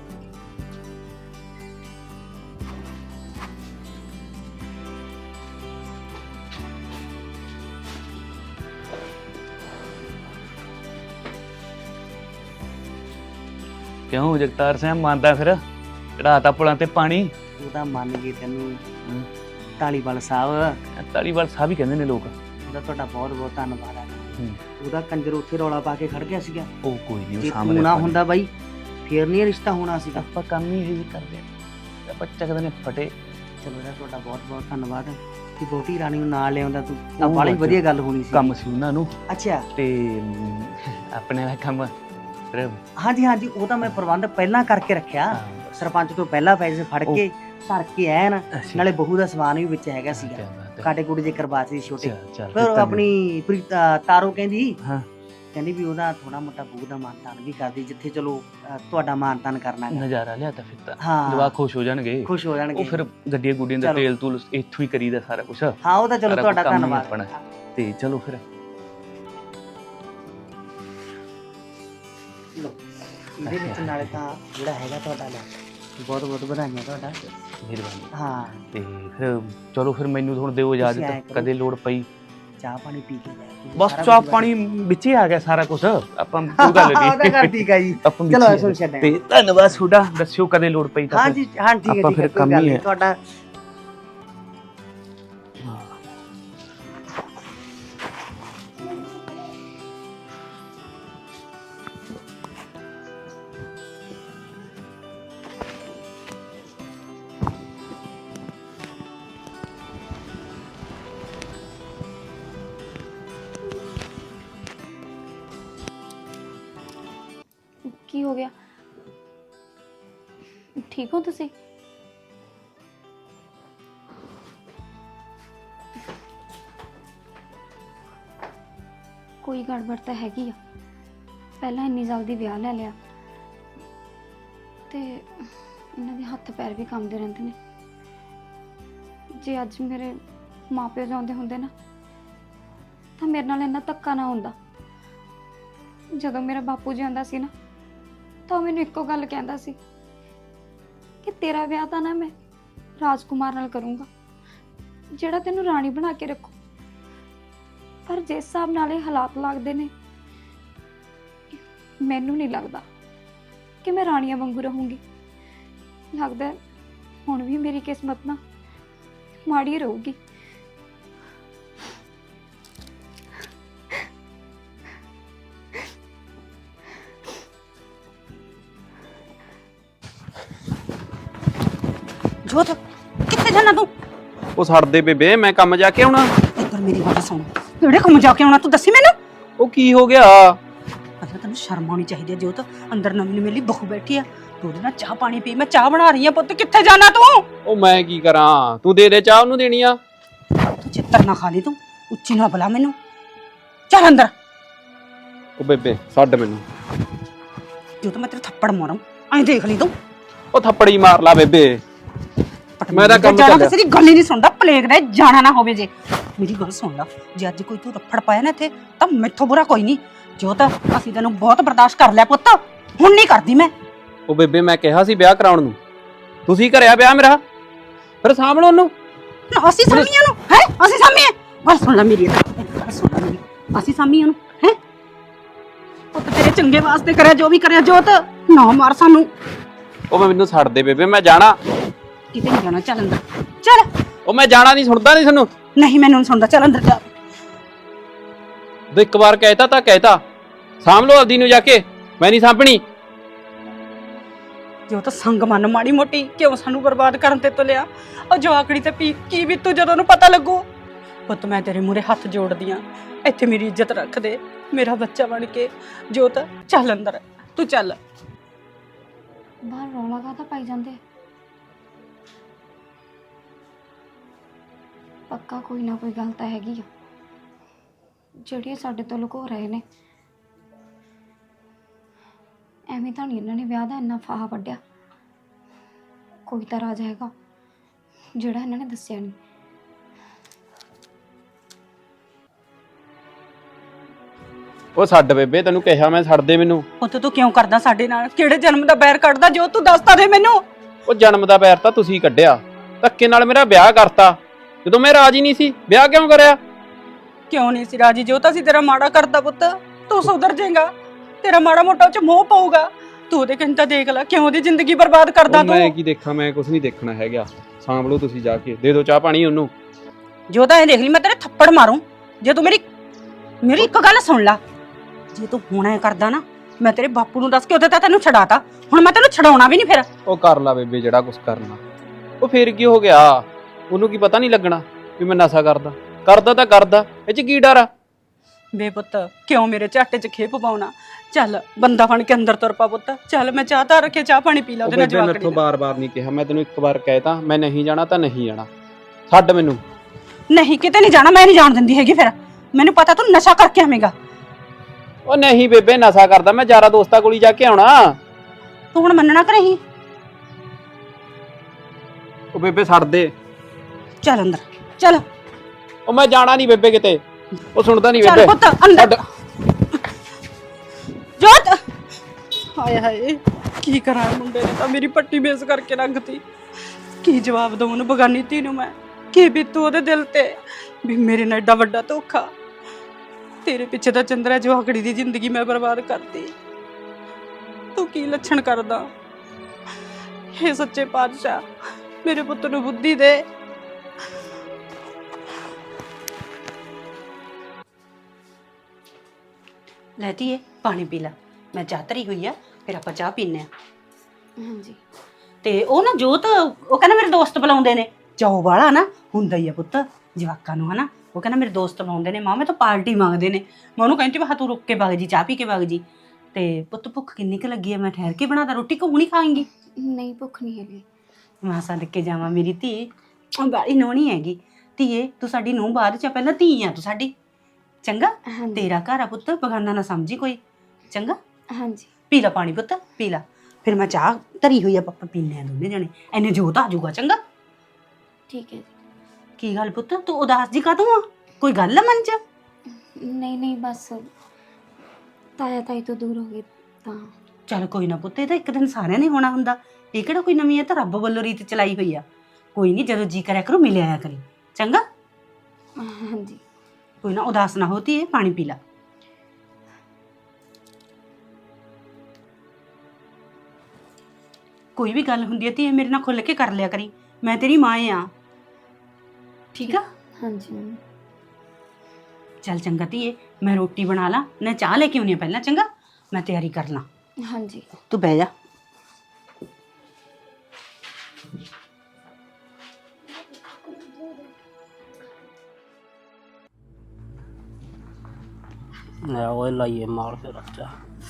B: ਕਿਉਂ ਜਗਤਾਰ ਸਿੰਘ ਮੰਨਦਾ ਫਿਰ ਚੜਾਤਾ ਪੁਲਾਂ ਤੇ ਪਾਣੀ
A: ਤੂੰ ਤਾਂ ਮੰਨ ਗਈ ਤੈਨੂੰ ਢਾਲੀਵਾਲ ਸਾਹਿਬ
B: ਤਾਲੀਵਾਲ ਸਾਹਿਬ ਹੀ ਕਹਿੰਦੇ ਨੇ ਲੋਕ
A: ਉਹਦਾ ਤੁਹਾਡਾ ਬਹੁਤ ਬਹੁਤ ਧੰਨਵਾਦ ਹੈ
B: ਹੂੰ।
A: ਉਹਦਾ ਕੰਜਰ ਉੱਥੇ ਰੌਲਾ ਪਾ ਕੇ ਖੜ ਗਿਆ ਸੀਗਾ
B: ਉਹ ਕੋਈ ਨਹੀਂ
A: ਜੇ
B: ਉਹ ਸਾਹਮਣੇ
A: ਤੂੰ ਨਾ
B: ਆਪਾਂ-
A: ਹੁੰਦਾ ਬਾਈ ਫੇਰ ਨਹੀਂ ਇਹ ਰਿਸ਼ਤਾ ਹੋਣਾ ਸੀਗਾ
B: ਆਪਾਂ ਕੰਮ ਹੀ ਇਹ ਕਰਦੇ ਆ ਆਪਾਂ ਚੱਕਦੇ ਨੇ ਫਟੇ
A: ਚਲੋ ਇਹਦਾ ਤੁਹਾਡਾ ਬਹੁਤ ਬਹੁਤ ਧੰਨਵਾਦ ਕਿ ਬਹੁਤੀ ਰਾਣੀ ਨੂੰ ਨਾਲ ਲਿਆਉਂਦਾ ਤੂੰ ਤਾਂ
B: ਉਹ
A: ਬੜੀ
B: ਬਾਤ
A: ਵਧੀਆ ਗੱਲ ਹੋਣੀ ਸੀ
B: ਕੰਮ ਸੀ ਉਹਨਾਂ ਨੂੰ
A: ਅੱਛਾ
B: ਤੇ ਆਪਣੇ ਦਾ ਕੰਮ ਫਿਰ
A: ਹਾਂਜੀ ਹਾਂਜੀ ਉਹ ਤਾਂ ਮੈਂ ਪ੍ਰਬੰਧ ਪਹਿਲਾਂ ਕਰਕੇ ਰੱਖਿਆ ਸਰਪੰਚ ਤੋਂ ਪਹਿਲਾਂ ਪੈਸੇ ਫੜ ਕੇ ਧਰ ਕੇ ਆਇਆ ਨਾ ਨਾਲੇ ਬਹੂ ਦਾ ਸਮਾਨ ਵੀ ਵਿੱਚ ਹੈਗਾ ਸੀਗਾ ਕਾਟੇ ਕੁੜੇ ਜੇ ਕਰਵਾ ਸੀ ਛੋਟੇ ਫਿਰ ਆਪਣੀ ਤਾਰੋ ਕਹਿੰਦੀ
B: ਹਾਂ।
A: ਕਹਿੰਦੀ ਵੀ ਉਹਦਾ ਥੋੜਾ ਮੋਟਾ ਬਹੂ ਦਾ ਮਾਨਤਾਨ ਵੀ ਕਰਦੀ ਜਿੱਥੇ ਚਲੋ ਤੁਹਾਡਾ ਮਾਨਤਾਨ ਕਰਨਾ ਹੈ
B: ਨਜ਼ਾਰਾ ਲਿਆ ਤਾਂ ਫਿਰ ਤਾਂ
A: ਹਾਂ
B: ਜਵਾਕ ਖੁਸ਼ ਹੋ ਜਾਣਗੇ
A: ਖੁਸ਼ ਹੋ ਜਾਣਗੇ
B: ਉਹ ਫਿਰ ਗੱਡੀਆਂ ਗੁੱਡੀਆਂ ਦਾ
A: ਚਲੋ।
B: ਤੇਲ ਤੂਲ ਇੱਥੋਂ ਹੀ ਕਰੀਦਾ ਸਾਰਾ ਕੁਝ
A: ਹਾਂ ਉਹ ਤਾਂ ਚਲੋ ਤੁਹਾਡਾ ਧੰਨਵਾਦ
B: ਆਪਣਾ ਤੇ ਚਲੋ ਫਿਰ
A: ਲਓ, ਇਹਦੇ ਵਿੱਚ ਨਾਲੇ ਤਾਂ ਜਿਹੜਾ ਹੈਗਾ ਤੁਹਾਡਾ ਲੈ ਬਹੁਤ ਬਹੁਤ ਵਧਾਈਆਂ ਤੁਹਾਡਾ
B: ਮਿਹਰਬਾਨੀ
A: ਹਾਂ
B: ਤੇ ਫਿਰ ਚਲੋ ਫਿਰ ਮੈਨੂੰ ਹੁਣ ਦਿਓ
A: ਤੁਸੀਂ ਐਂ
B: ਇਜਾਜ਼ਤ
A: ਕਰੋ।
B: ਕਦੇ ਲੋੜ ਪਈ
A: ਚਾਹ ਪਾਣੀ ਪੀ ਕੇ ਜਾਇਆ
B: ਬਸ ਚਾਹ ਪਾਣੀ ਵਿੱਚ ਹੀ ਆ ਗਿਆ ਸਾਰਾ ਕੁਝ ਆਪਾਂ ਕੋਈ ਗੱਲ
A: ਉਹਦਾ
B: ਨਹੀਂ
A: ਕਰ ਠੀਕ ਹੈ ਜੀ
B: ਆਪਾਂ ਵਿੱਚ
A: ਚਲੋ
B: ਹੀ ਆ
A: ਐਸੋ
B: ਗਏ।
A: ਛੱਡਿਆ
B: ਤੇ ਧੰਨਵਾਦ ਤੁਹਾਡਾ ਦੱਸਿਓ ਕਦੇ ਲੋੜ ਪਈ ਤਾਂ
A: ਹਾਂ
B: ਫਿਰ।
A: ਜੀ ਹਾਂ ਠੀਕ ਹੈ
B: ਆਪਾਂ
A: ਠੀਕ ਹੈ
B: ਫਿਰ
A: ਕੋਈ
B: ਕੰਮ
A: ਗੱਲ
B: ਹੀ
A: ਨਹੀਂ
B: ਹੈ।
A: ਤੁਹਾਡਾ
F: ਕੀ ਹੋ ਗਿਆ ਠੀਕ ਹੋ ਤੁਸੀਂ ਕੋਈ ਗੜਬੜ ਤਾਂ ਹੈਗੀ ਆ ਪਹਿਲਾਂ ਇੰਨੀ ਜਲਦੀ ਵਿਆਹ ਲੈ ਲਿਆ ਤੇ ਇਹਨਾਂ ਦੇ ਹੱਥ ਪੈਰ ਵੀ ਕੰਬਦੇ ਰਹਿੰਦੇ ਨੇ ਜੇ ਅੱਜ ਮੇਰੇ ਮਾਪਿਓ ਜਾਂਦੇ ਹੁੰਦੇ ਨਾ ਤਾਂ ਮੇਰੇ ਨਾਲ ਇੰਨਾ ਧੱਕਾ ਨਾ ਹੁੰਦਾ ਜਦੋਂ ਮੇਰਾ ਬਾਪੂ ਜੀ ਆਉਂਦਾ ਸੀ ਨਾ ਤਾਂ ਉਹ ਮੈਨੂੰ ਇੱਕੋ ਗੱਲ ਕਹਿੰਦਾ ਸੀ ਕਿ ਤੇਰਾ ਵਿਆਹ ਤਾਂ ਨਾ ਮੈਂ ਰਾਜਕੁਮਾਰ ਨਾਲ ਕਰੂੰਗਾ, ਜਿਹੜਾ ਤੈਨੂੰ ਰਾਣੀ ਬਣਾ ਕੇ ਰੱਖੂ। ਪਰ ਜਿਸ ਹਿਸਾਬ ਨਾਲ ਇਹ ਹਾਲਾਤ ਲੱਗਦੇ ਨੇ, ਮੈਨੂੰ ਨਹੀਂ ਲੱਗਦਾ ਕਿ ਮੈਂ ਰਾਣੀਆਂ ਵਾਂਗੂ ਰਹੂੰਗੀ। ਲੱਗਦਾ ਹੈ ਹੁਣ ਵੀ ਮੇਰੀ ਕਿਸਮਤ ਨਾ ਮਾੜੀ ਰਹੂਗੀ।
C: ਜੋਤ ਕਿੱਥੇ ਜਾਣਾ ਤੂੰ?
G: ਉਹ ਛੱਡ ਦੇ ਬੇਬੇ, ਮੈਂ ਕੰਮ ਜਾ ਕੇ ਆਉਣਾ।
C: ਇੱਧਰ ਮੇਰੀ ਗੱਲ ਸੁਣ, ਕਿਹੜੇ ਕੰਮ ਜਾ ਕੇ ਆਉਣਾ ਤੂੰ ਦੱਸੀ ਮੈਨੂੰ।
G: ਉਹ ਕੀ ਹੋ ਗਿਆ?
C: ਅੱਛਾ ਤੈਨੂੰ ਸ਼ਰਮ ਆਉਣੀ ਚਾਹੀਦੀ ਹੈ ਜੋਤ, ਅੰਦਰ ਨਵੀਂ ਮੇਰੀ ਬਹੂ ਬੈਠੀ ਆ, ਤੂੰ ਉਹਦੇ ਨਾਲ ਚਾਹ ਪਾਣੀ ਪੀ, ਮੈਂ ਚਾਹ ਬਣਾ ਰਹੀ ਆ ਪੁੱਤ। ਕਿੱਥੇ ਜਾਣਾ ਤੂੰ?
G: ਉਹ ਮੈਂ ਕੀ ਕਰਾਂ, ਤੂੰ ਦੇ ਚਾਹ ਉਹਨੂੰ ਦੇਣੀ ਆ।
C: ਤੂੰ ਚਿੱਤਰ ਨਾ ਖਾ ਲਈ, ਤੂੰ ਉੱਚੀ ਨਾ ਬੁਲਾ ਮੈਨੂੰ, ਚੱਲ ਅੰਦਰ।
G: ਉਹ ਬੇਬੇ ਛੱਡ ਮੈਨੂੰ।
C: ਜੋਤ ਮੈਂ ਤੇਰੇ ਥੱਪੜ ਮਾਰਾਂ, ਐਂ ਦੇਖ ਲਈ ਤੂੰ।
G: ਉਹ ਥੱਪੜੀ ਮਾਰ ਲਾ ਬੇਬੇ, ਮੈਂ ਤਾਂ ਕੰਮ
C: ਜਾਣਾ
G: ਚੱਲਿਆ।
C: ਕਿਸੇ ਦੀ ਗੱਲ ਹੀ ਨਹੀਂ ਸੁਣਦਾ, ਪਲੇਗ ਦਾ ਜਾਣਾ ਨਾ ਹੋਵੇ। ਜੇ ਮੇਰੀ ਗੱਲ ਸੁਣ ਲਾ, ਜੇ ਅੱਜ ਕੋਈ ਤੂੰ ਰੱਫੜ ਪਾਇਆ ਨਾ ਇੱਥੇ ਤਾਂ ਮੈਥੋਂ ਬੁਰਾ ਕੋਈ ਨਹੀਂ। ਜੋਤ ਅਸੀਂ ਤੈਨੂੰ ਬਹੁਤ ਬਰਦਾਸ਼ਤ ਕਰ ਲਿਆ ਪੁੱਤ, ਹੁਣ ਨਹੀਂ ਕਰਦੀ ਮੈਂ।
G: ਉਹ ਬੇਬੇ ਮੈਂ ਕਿਹਾ ਸੀ ਵਿਆਹ ਕਰਾਉਣ ਨੂੰ, ਤੁਸੀਂ ਕਰਿਆ ਵਿਆਹ ਮੇਰਾ, ਫਿਰ ਸਾਂਭਣੋ ਉਹਨੂੰ।
C: ਨਾ ਅਸੀਂ ਸਾਮੀਆਂ ਨੂੰ ਹੈ, ਅਸੀਂ ਸਾਮੀਆਂ। ਗੱਲ ਸੁਣ ਲੈ ਮੇਰੀ, ਗੱਲ ਸੁਣ ਲੈ ਮੇਰੀ, ਅਸੀਂ ਸਾਮੀਆਂ ਨੂੰ ਹੈ। ਪੁੱਤ ਤੇਰੇ ਚੰਗੇ ਵਾਸਤੇ ਕਰਿਆ ਜੋ ਵੀ ਕਰਿਆ। ਜੋਤ ਨਾ ਮਾਰ ਸਾਨੂੰ।
G: ਉਹ ਮੈਨੂੰ ਛੱਡ ਦੇ ਬੇਬੇ, ਮੈਂ ਜਾਣਾ।
C: ਕਿਤੇ ਨਹੀਂ ਜਾਣਾ, ਚੱਲ ਅੰਦਰ ਚੱਲ।
G: ਉਹ ਮੈਂ ਜਾਣਾ ਨਹੀਂ, ਸੁਣਦਾ ਨਹੀਂ ਤੁਹਾਨੂੰ।
C: ਨਹੀਂ ਮੈਨੂੰ ਨਹੀਂ ਸੁਣਦਾ, ਚੱਲ ਅੰਦਰ ਜਾ।
G: ਤੂੰ ਇੱਕ ਵਾਰ ਕਹਿਤਾ ਤਾਂ ਕਹਿਤਾ, ਸਾਂਭ ਲਓ ਆਪਦੀ ਨੂੰ ਜਾ ਕੇ, ਮੈਂ ਨਹੀਂ ਸਾਂਭਣੀ।
C: ਜੋ ਤਾਂ ਸੰਗ ਮਨ ਮਾੜੀ ਮੋਟੀ ਕਿਉਂ ਸਾਨੂੰ ਬਰਬਾਦ ਕਰਨ ਤੇ ਤੁਲਿਆ। ਉਹ ਜਵਾਕੜੀ ਤੇ ਕੀ ਵੀ ਤੂੰ ਜਦੋਂ ਉਹਨੂੰ ਪਤਾ ਲੱਗੂ। ਪੁੱਤ ਮੈਂ ਤੇਰੇ ਮੂਹਰੇ ਹੱਥ ਜੋੜਦੀ ਆ, ਇੱਥੇ ਮੇਰੀ ਇੱਜ਼ਤ ਰੱਖ ਦੇ, ਮੇਰਾ ਬੱਚਾ ਬਣ ਕੇ। ਜੋਤ ਚੱਲ ਅੰਦਰ, ਤੂੰ ਚੱਲ।
F: ਬਾਹਰ ਰੌਲਾ ਕਾਹਦਾ ਪਾਈ ਜਾਂਦੇ? ਪੱਕਾ ਕੋਈ ਨਾ ਕੋਈ ਗੱਲ ਤਾਂ ਹੈਗੀ ਆ ਜਿਹੜੀ ਸਾਡੇ ਤੋਂ ਲੁਕੋ ਰਹੇ ਨੇ। ਐਵੇਂ ਤਾਂ ਨਹੀਂ ਇਹਨਾਂ ਨੇ ਵਿਆਹ ਦਾ ਇੰਨਾ ਫਾਹਾ ਵੱਢਿਆ। ਕੋਈ ਤਾਂ ਰਾਜ ਹੈਗਾ ਜਿਹੜਾ ਇਹਨਾਂ ਨੇ ਦੱਸਿਆ ਨਹੀਂ।
G: ਉਹ ਛੱਡ ਬੇਬੇ, ਤੈਨੂੰ ਕਿਹਾ ਮੈਂ, ਛੱਡ ਦੇ ਮੈਨੂੰ।
C: ਪੁੱਤ ਤੂੰ ਕਿਉਂ ਕਰਦਾ ਸਾਡੇ ਨਾਲ? ਕਿਹੜੇ ਜਨਮ ਦਾ ਬੈਰ ਕੱਢਦਾ? ਜੋ ਤੂੰ ਦੱਸਦਾ ਦੇ ਮੈਨੂੰ।
G: ਉਹ ਜਨਮ ਦਾ ਪੈਰ ਤਾਂ ਤੁਸੀਂ ਕੱਢਿਆ, ਧੱਕੇ ਨਾਲ ਮੇਰਾ ਵਿਆਹ ਕਰਤਾ। ਜਦੋਂ ਮੈਂ ਰਾਜੀ ਨਹੀਂ ਸੀ, ਵਿਆਹ ਕਿਉਂ ਕਰਿਆ?
C: ਕਿਉਂ ਨਹੀਂ ਸੀ ਰਾਜੀ? ਜੋ ਤਾਂ ਅਸੀਂ ਤੇਰਾ ਮਾੜਾ ਕਰਦਾ ਪੁੱਤ, ਤੂੰ ਸੁਧਰ ਜਾਏਗਾ, ਤੇਰਾ ਮਾੜਾ ਮੋਟਾ ਉਹ ਚ ਮੋਹ ਪਊਗਾ। ਤੂੰ ਉਹਦੇ ਕੰਤਾ ਦੇਖ ਲੈ, ਕਿਉਂ ਦੀ ਜ਼ਿੰਦਗੀ ਬਰਬਾਦ ਕਰਦਾ
G: ਉਹ ਮੈਂ
C: ਤੂੰ।
G: ਕੀ ਦੇਖਾਂ, ਮੈਂ ਕੁਝ ਨਹੀਂ ਦੇਖਣਾ ਹੈਗਾ। ਸਾਂਭ ਲਓ ਤੁਸੀਂ ਜਾ ਕੇ, ਦੇ ਦਿਓ ਚਾਹ ਪਾਣੀ ਉਹਨੂੰ।
C: ਜੋ ਤਾਂ ਇਹ ਦੇਖ ਲਈ, ਮੈਂ ਤੇਰੇ ਥੱਪੜ ਮਾਰੂੰ ਜੇ ਤੂੰ ਮੇਰੀ ਇੱਕ ਗੱਲ ਸੁਣ ਲੈ। ਜੇ ਤੂੰ ਹੁਣ ਐ ਕਰਦਾ ਨਾ, ਮੈਂ ਤੇਰੇ ਬਾਪੂ ਨੂੰ ਦੱਸ ਕੇ ਉਹਦੇ ਤਾਂ ਤੈਨੂੰ ਛਡਾਤਾ, ਹੁਣ ਮੈਂ ਤੈਨੂੰ ਛਡਾਉਣਾ ਵੀ ਨਹੀਂ ਫਿਰ।
G: ਉਹ ਕਰ ਲਾ ਬੇਬੇ ਜਿਹੜਾ ਕੁਝ ਕਰਨਾ। ਉਹ ਫੇਰ ਕੀ ਹੋ ਗਿਆ, ਉਹਨੂੰ ਕੀ ਪਤਾ ਨਹੀਂ ਲੱਗਣਾ ਵੀ ਮੈਂ ਨਸ਼ਾ ਕਰਦਾ ਤਾਂ ਕਰਦਾ, ਇਹ ਚ ਕੀ ਡਰ ਆ?
C: ਬੇ ਪੁੱਤ ਕਿਉਂ ਮੇਰੇ ਝਾਟੇ 'ਚ ਖੇਪ ਪਾਉਣਾ? ਚੱਲ ਬੰਦਾ ਬਣ ਕੇ ਅੰਦਰ ਤੁਰ ਪਾ ਪੁੱਤ। ਚੱਲ ਮੈਂ ਚਾਹ ਤਾਂ ਰੱਖੇ, ਚਾਹ ਪਾਣੀ ਪੀ ਲਾ ਉਹਦੇ ਨਾਲ
G: ਬੇਬੇ
C: ਜਵਾਕੜੀ
G: ਮੈਥੋਂ
C: ਨਾਲ।
G: ਬਾਰ-ਬਾਰ ਨਹੀਂ ਕਿਹਾ, ਮੈਂ ਤੈਨੂੰ ਇੱਕ ਵਾਰ ਕਹਿਤਾ, ਮੈਂ ਨਹੀਂ ਜਾਣਾ ਤਾਂ ਨਹੀਂ ਜਾਣਾ, ਛੱਡ ਮੈਨੂੰ।
C: ਨਹੀਂ ਕਿਤੇ ਨਹੀਂ ਜਾਣਾ, ਮੈਂ ਨਹੀਂ ਜਾਣ ਦਿੰਦੀ ਹੈਗੀ ਫਿਰ। ਮੈਨੂੰ ਪਤਾ ਤੂੰ ਨਸ਼ਾ ਕਰਕੇ ਆਵੇਂਗਾ।
G: ਉਹ ਨਹੀਂ ਬੇਬੇ, ਨਸ਼ਾ ਕਰਦਾ ਮੈਂ, ਯਾਰਾਂ ਦੋਸਤਾਂ ਕੋਲ ਹੀ ਜਾ ਕੇ ਆਉਣਾ।
C: ਤੂੰ ਹੁਣ ਮੰਨਣਾ ਕਿ ਨਹੀਂ?
G: ਉਹ ਬੇਬੇ ਛੱਡ ਦੇ।
C: ਚੱਲ ਅੰਦਰ ਚੱਲ।
G: ਉਹ ਮੈਂ ਜਾਣਾ ਨਹੀਂ ਬੇਬੇ ਕਿਤੇ, ਉਹ ਸੁਣਦਾ ਨਹੀਂ
C: ਚੱਲ
G: ਬੇਬੇ।
C: ਪੁੱਤ ਅੰਦਰ। ਜੋਤ ਹਾਏ ਹਾਏ, ਕੀ ਕਰਾਂ? ਮੁੰਡੇ ਨੇ ਤਾਂ ਮੇਰੀ ਪੱਟੀ ਬੇਸ ਕਰਕੇ ਰੱਖਤੀ। ਕੀ ਜਵਾਬ ਦਵਾਂ ਉਹਨੂੰ, ਬਗਾਨੀ ਧੀ ਨੂੰ ਮੈਂ? ਕੀ ਬੀਤੂ ਉਹਦੇ ਦਿਲ ਤੇ ਵੀ ਮੇਰੇ ਨਾਲ ਏਡਾ ਵੱਡਾ ਧੋਖਾ। ਤੇਰੇ ਪਿੱਛੇ ਤਾਂ ਚੰਦਰਾ ਜਵਾਕੜੀ ਦੀ ਜ਼ਿੰਦਗੀ ਮੈਂ ਬਰਬਾਦ ਕਰਤੀ। ਤੂੰ ਕੀ ਲੱਛਣ ਕਰਦਾ? ਹੇ ਸੱਚੇ ਪਾਤਸ਼ਾਹ, ਮੇਰੇ ਪੁੱਤ ਨੂੰ ਬੁੱਧੀ ਦੇ। ਲੈ ਧੀਏ ਪਾਣੀ ਪੀ ਲੈ, ਮੈਂ ਚਾਹ ਧਰੀ ਹੋਈ ਆ, ਫਿਰ ਆਪਾਂ ਚਾਹ ਪੀਨੇ ਆ।
F: ਹਾਂਜੀ।
C: ਤੇ ਉਹ ਨਾ ਜੋਤ, ਉਹ ਕਹਿੰਦਾ ਮੇਰੇ ਦੋਸਤ ਬੁਲਾਉਂਦੇ ਨੇ। ਚਾਉ ਵਾਲਾ ਨਾ ਹੁੰਦਾ ਹੀ ਆ ਪੁੱਤ ਜਵਾਕਾਂ ਨੂੰ, ਹਨਾ। ਉਹ ਕਹਿੰਦਾ ਮੇਰੇ ਦੋਸਤ ਬੁਲਾਉਂਦੇ ਨੇ, ਮਾਂ ਮੈਂ ਤਾਂ ਪਾਰਟੀ ਮੰਗਦੇ ਨੇ। ਮੈਂ ਉਹਨੂੰ ਕਹਿੰਦੀ ਮੈਂ ਤੂੰ ਰੁੱਕ ਕੇ ਵਗ ਜੀ, ਚਾਹ ਪੀ ਕੇ ਵਗ ਜੀ। ਤੇ ਪੁੱਤ ਭੁੱਖ ਕਿੰਨੀ ਕੁ ਲੱਗੀ ਆ, ਮੈਂ ਠਹਿਰ ਕੇ ਬਣਾਦਾ ਰੋਟੀ, ਕਿ ਹੁਣੀ ਖਾਏਂਗੀ?
F: ਨਹੀਂ ਭੁੱਖ ਨਹੀਂ ਹੈਗੀ।
C: ਮੈਂ ਸਦਕੇ ਜਾਵਾਂ, ਮੇਰੀ ਧੀ ਬਾੜੀ ਨੋਣੀ ਹੈਗੀ। ਧੀਏ ਤੂੰ ਸਾਡੀ ਨੂੰਹ ਬਾਅਦ ਚ, ਪਹਿਲਾਂ ਧੀ ਆ ਤੂੰ ਸਾਡੀ, ਚੰਗਾ?
F: ਹਾਂਜੀ।
C: ਤੇਰਾ ਘਰ ਆ ਪੁੱਤ, ਬਗਾਨਾ ਨਾ ਸਮਝੀ ਕੋਈ, ਚੰਗਾ?
F: ਹਾਂਜੀ।
C: ਪੀ ਲਾ ਪਾਣੀ ਪੁੱਤ, ਪੀ ਲਾ। ਫਿਰ ਮੈਂ ਚਾਹ ਧਰੀ ਹੋਈ ਆ, ਪਾਪਾ ਪੀਨੇ ਆ ਦੋਨੇ ਜਣੇ, ਐਨੇ ਜੋਤ ਆ ਜਾਊਗਾ, ਚੰਗਾ?
F: ਠੀਕ ਹੈ ਜੀ।
C: ਕੀ ਗੱਲ ਪੁੱਤ, ਤੂੰ ਉਦਾਸ ਜੀ ਕਾਹਤੋਂ ਆ? ਕੋਈ ਗੱਲ ਆ ਮਨ ਚ?
F: ਨਹੀਂ ਨਹੀਂ, ਬਸ ਤਾਇਆ ਤਾਈ ਤੋਂ ਦੂਰ ਹੋ ਗਏ ਤਾਂ।
C: ਚੱਲ ਕੋਈ ਨਾ ਪੁੱਤ, ਇਹ ਤਾਂ ਇੱਕ ਦਿਨ ਸਾਰਿਆਂ ਨੇ ਹੋਣਾ ਹੁੰਦਾ, ਇਹ ਕਿਹੜਾ ਕੋਈ ਨਵੀਂ ਹੈ, ਤਾਂ ਰੱਬ ਵੱਲੋਂ ਰੀਤ ਚਲਾਈ ਹੋਈ ਆ। ਕੋਈ ਨਹੀਂ, ਜਦੋਂ ਜੀ ਕਰਿਆ ਕਰੋ ਮਿਲ ਆਇਆ ਕਰੀ, ਚੰਗਾ?
F: ਹਾਂਜੀ।
C: ਕੋਈ ਨਾ ਉਦਾਸ ਨਾ ਹੋਤੀ ਹੈ, ਪਾਣੀ ਪੀ ਲਾ। ਕੋਈ ਵੀ ਗੱਲ ਹੁੰਦੀ ਹੈ ਧੀਏ ਮੇਰੇ ਨਾਲ ਖੁੱਲ ਕੇ ਕਰ ਲਿਆ ਕਰੀ, ਮੈਂ ਤੇਰੀ ਮਾਂ ਆ, ਠੀਕ ਆ?
F: ਹਾਂਜੀ ਮੰਮੀ।
C: ਚੱਲ ਚੰਗਾ ਧੀਏ, ਮੈਂ ਰੋਟੀ ਬਣਾ ਲਾਂ, ਨਾ ਚਾਹ ਲੈ ਕੇ ਆਉਣੀ ਆ ਪਹਿਲਾਂ, ਚੰਗਾ? ਮੈਂ ਤਿਆਰੀ ਕਰ ਲਾਂ।
F: ਹਾਂਜੀ।
C: ਤੂੰ ਬਹਿ ਜਾ।
K: ਉਹ ਲਾਈਏ ਮਾਲ ਫਿਰ ਅੱਛਾ।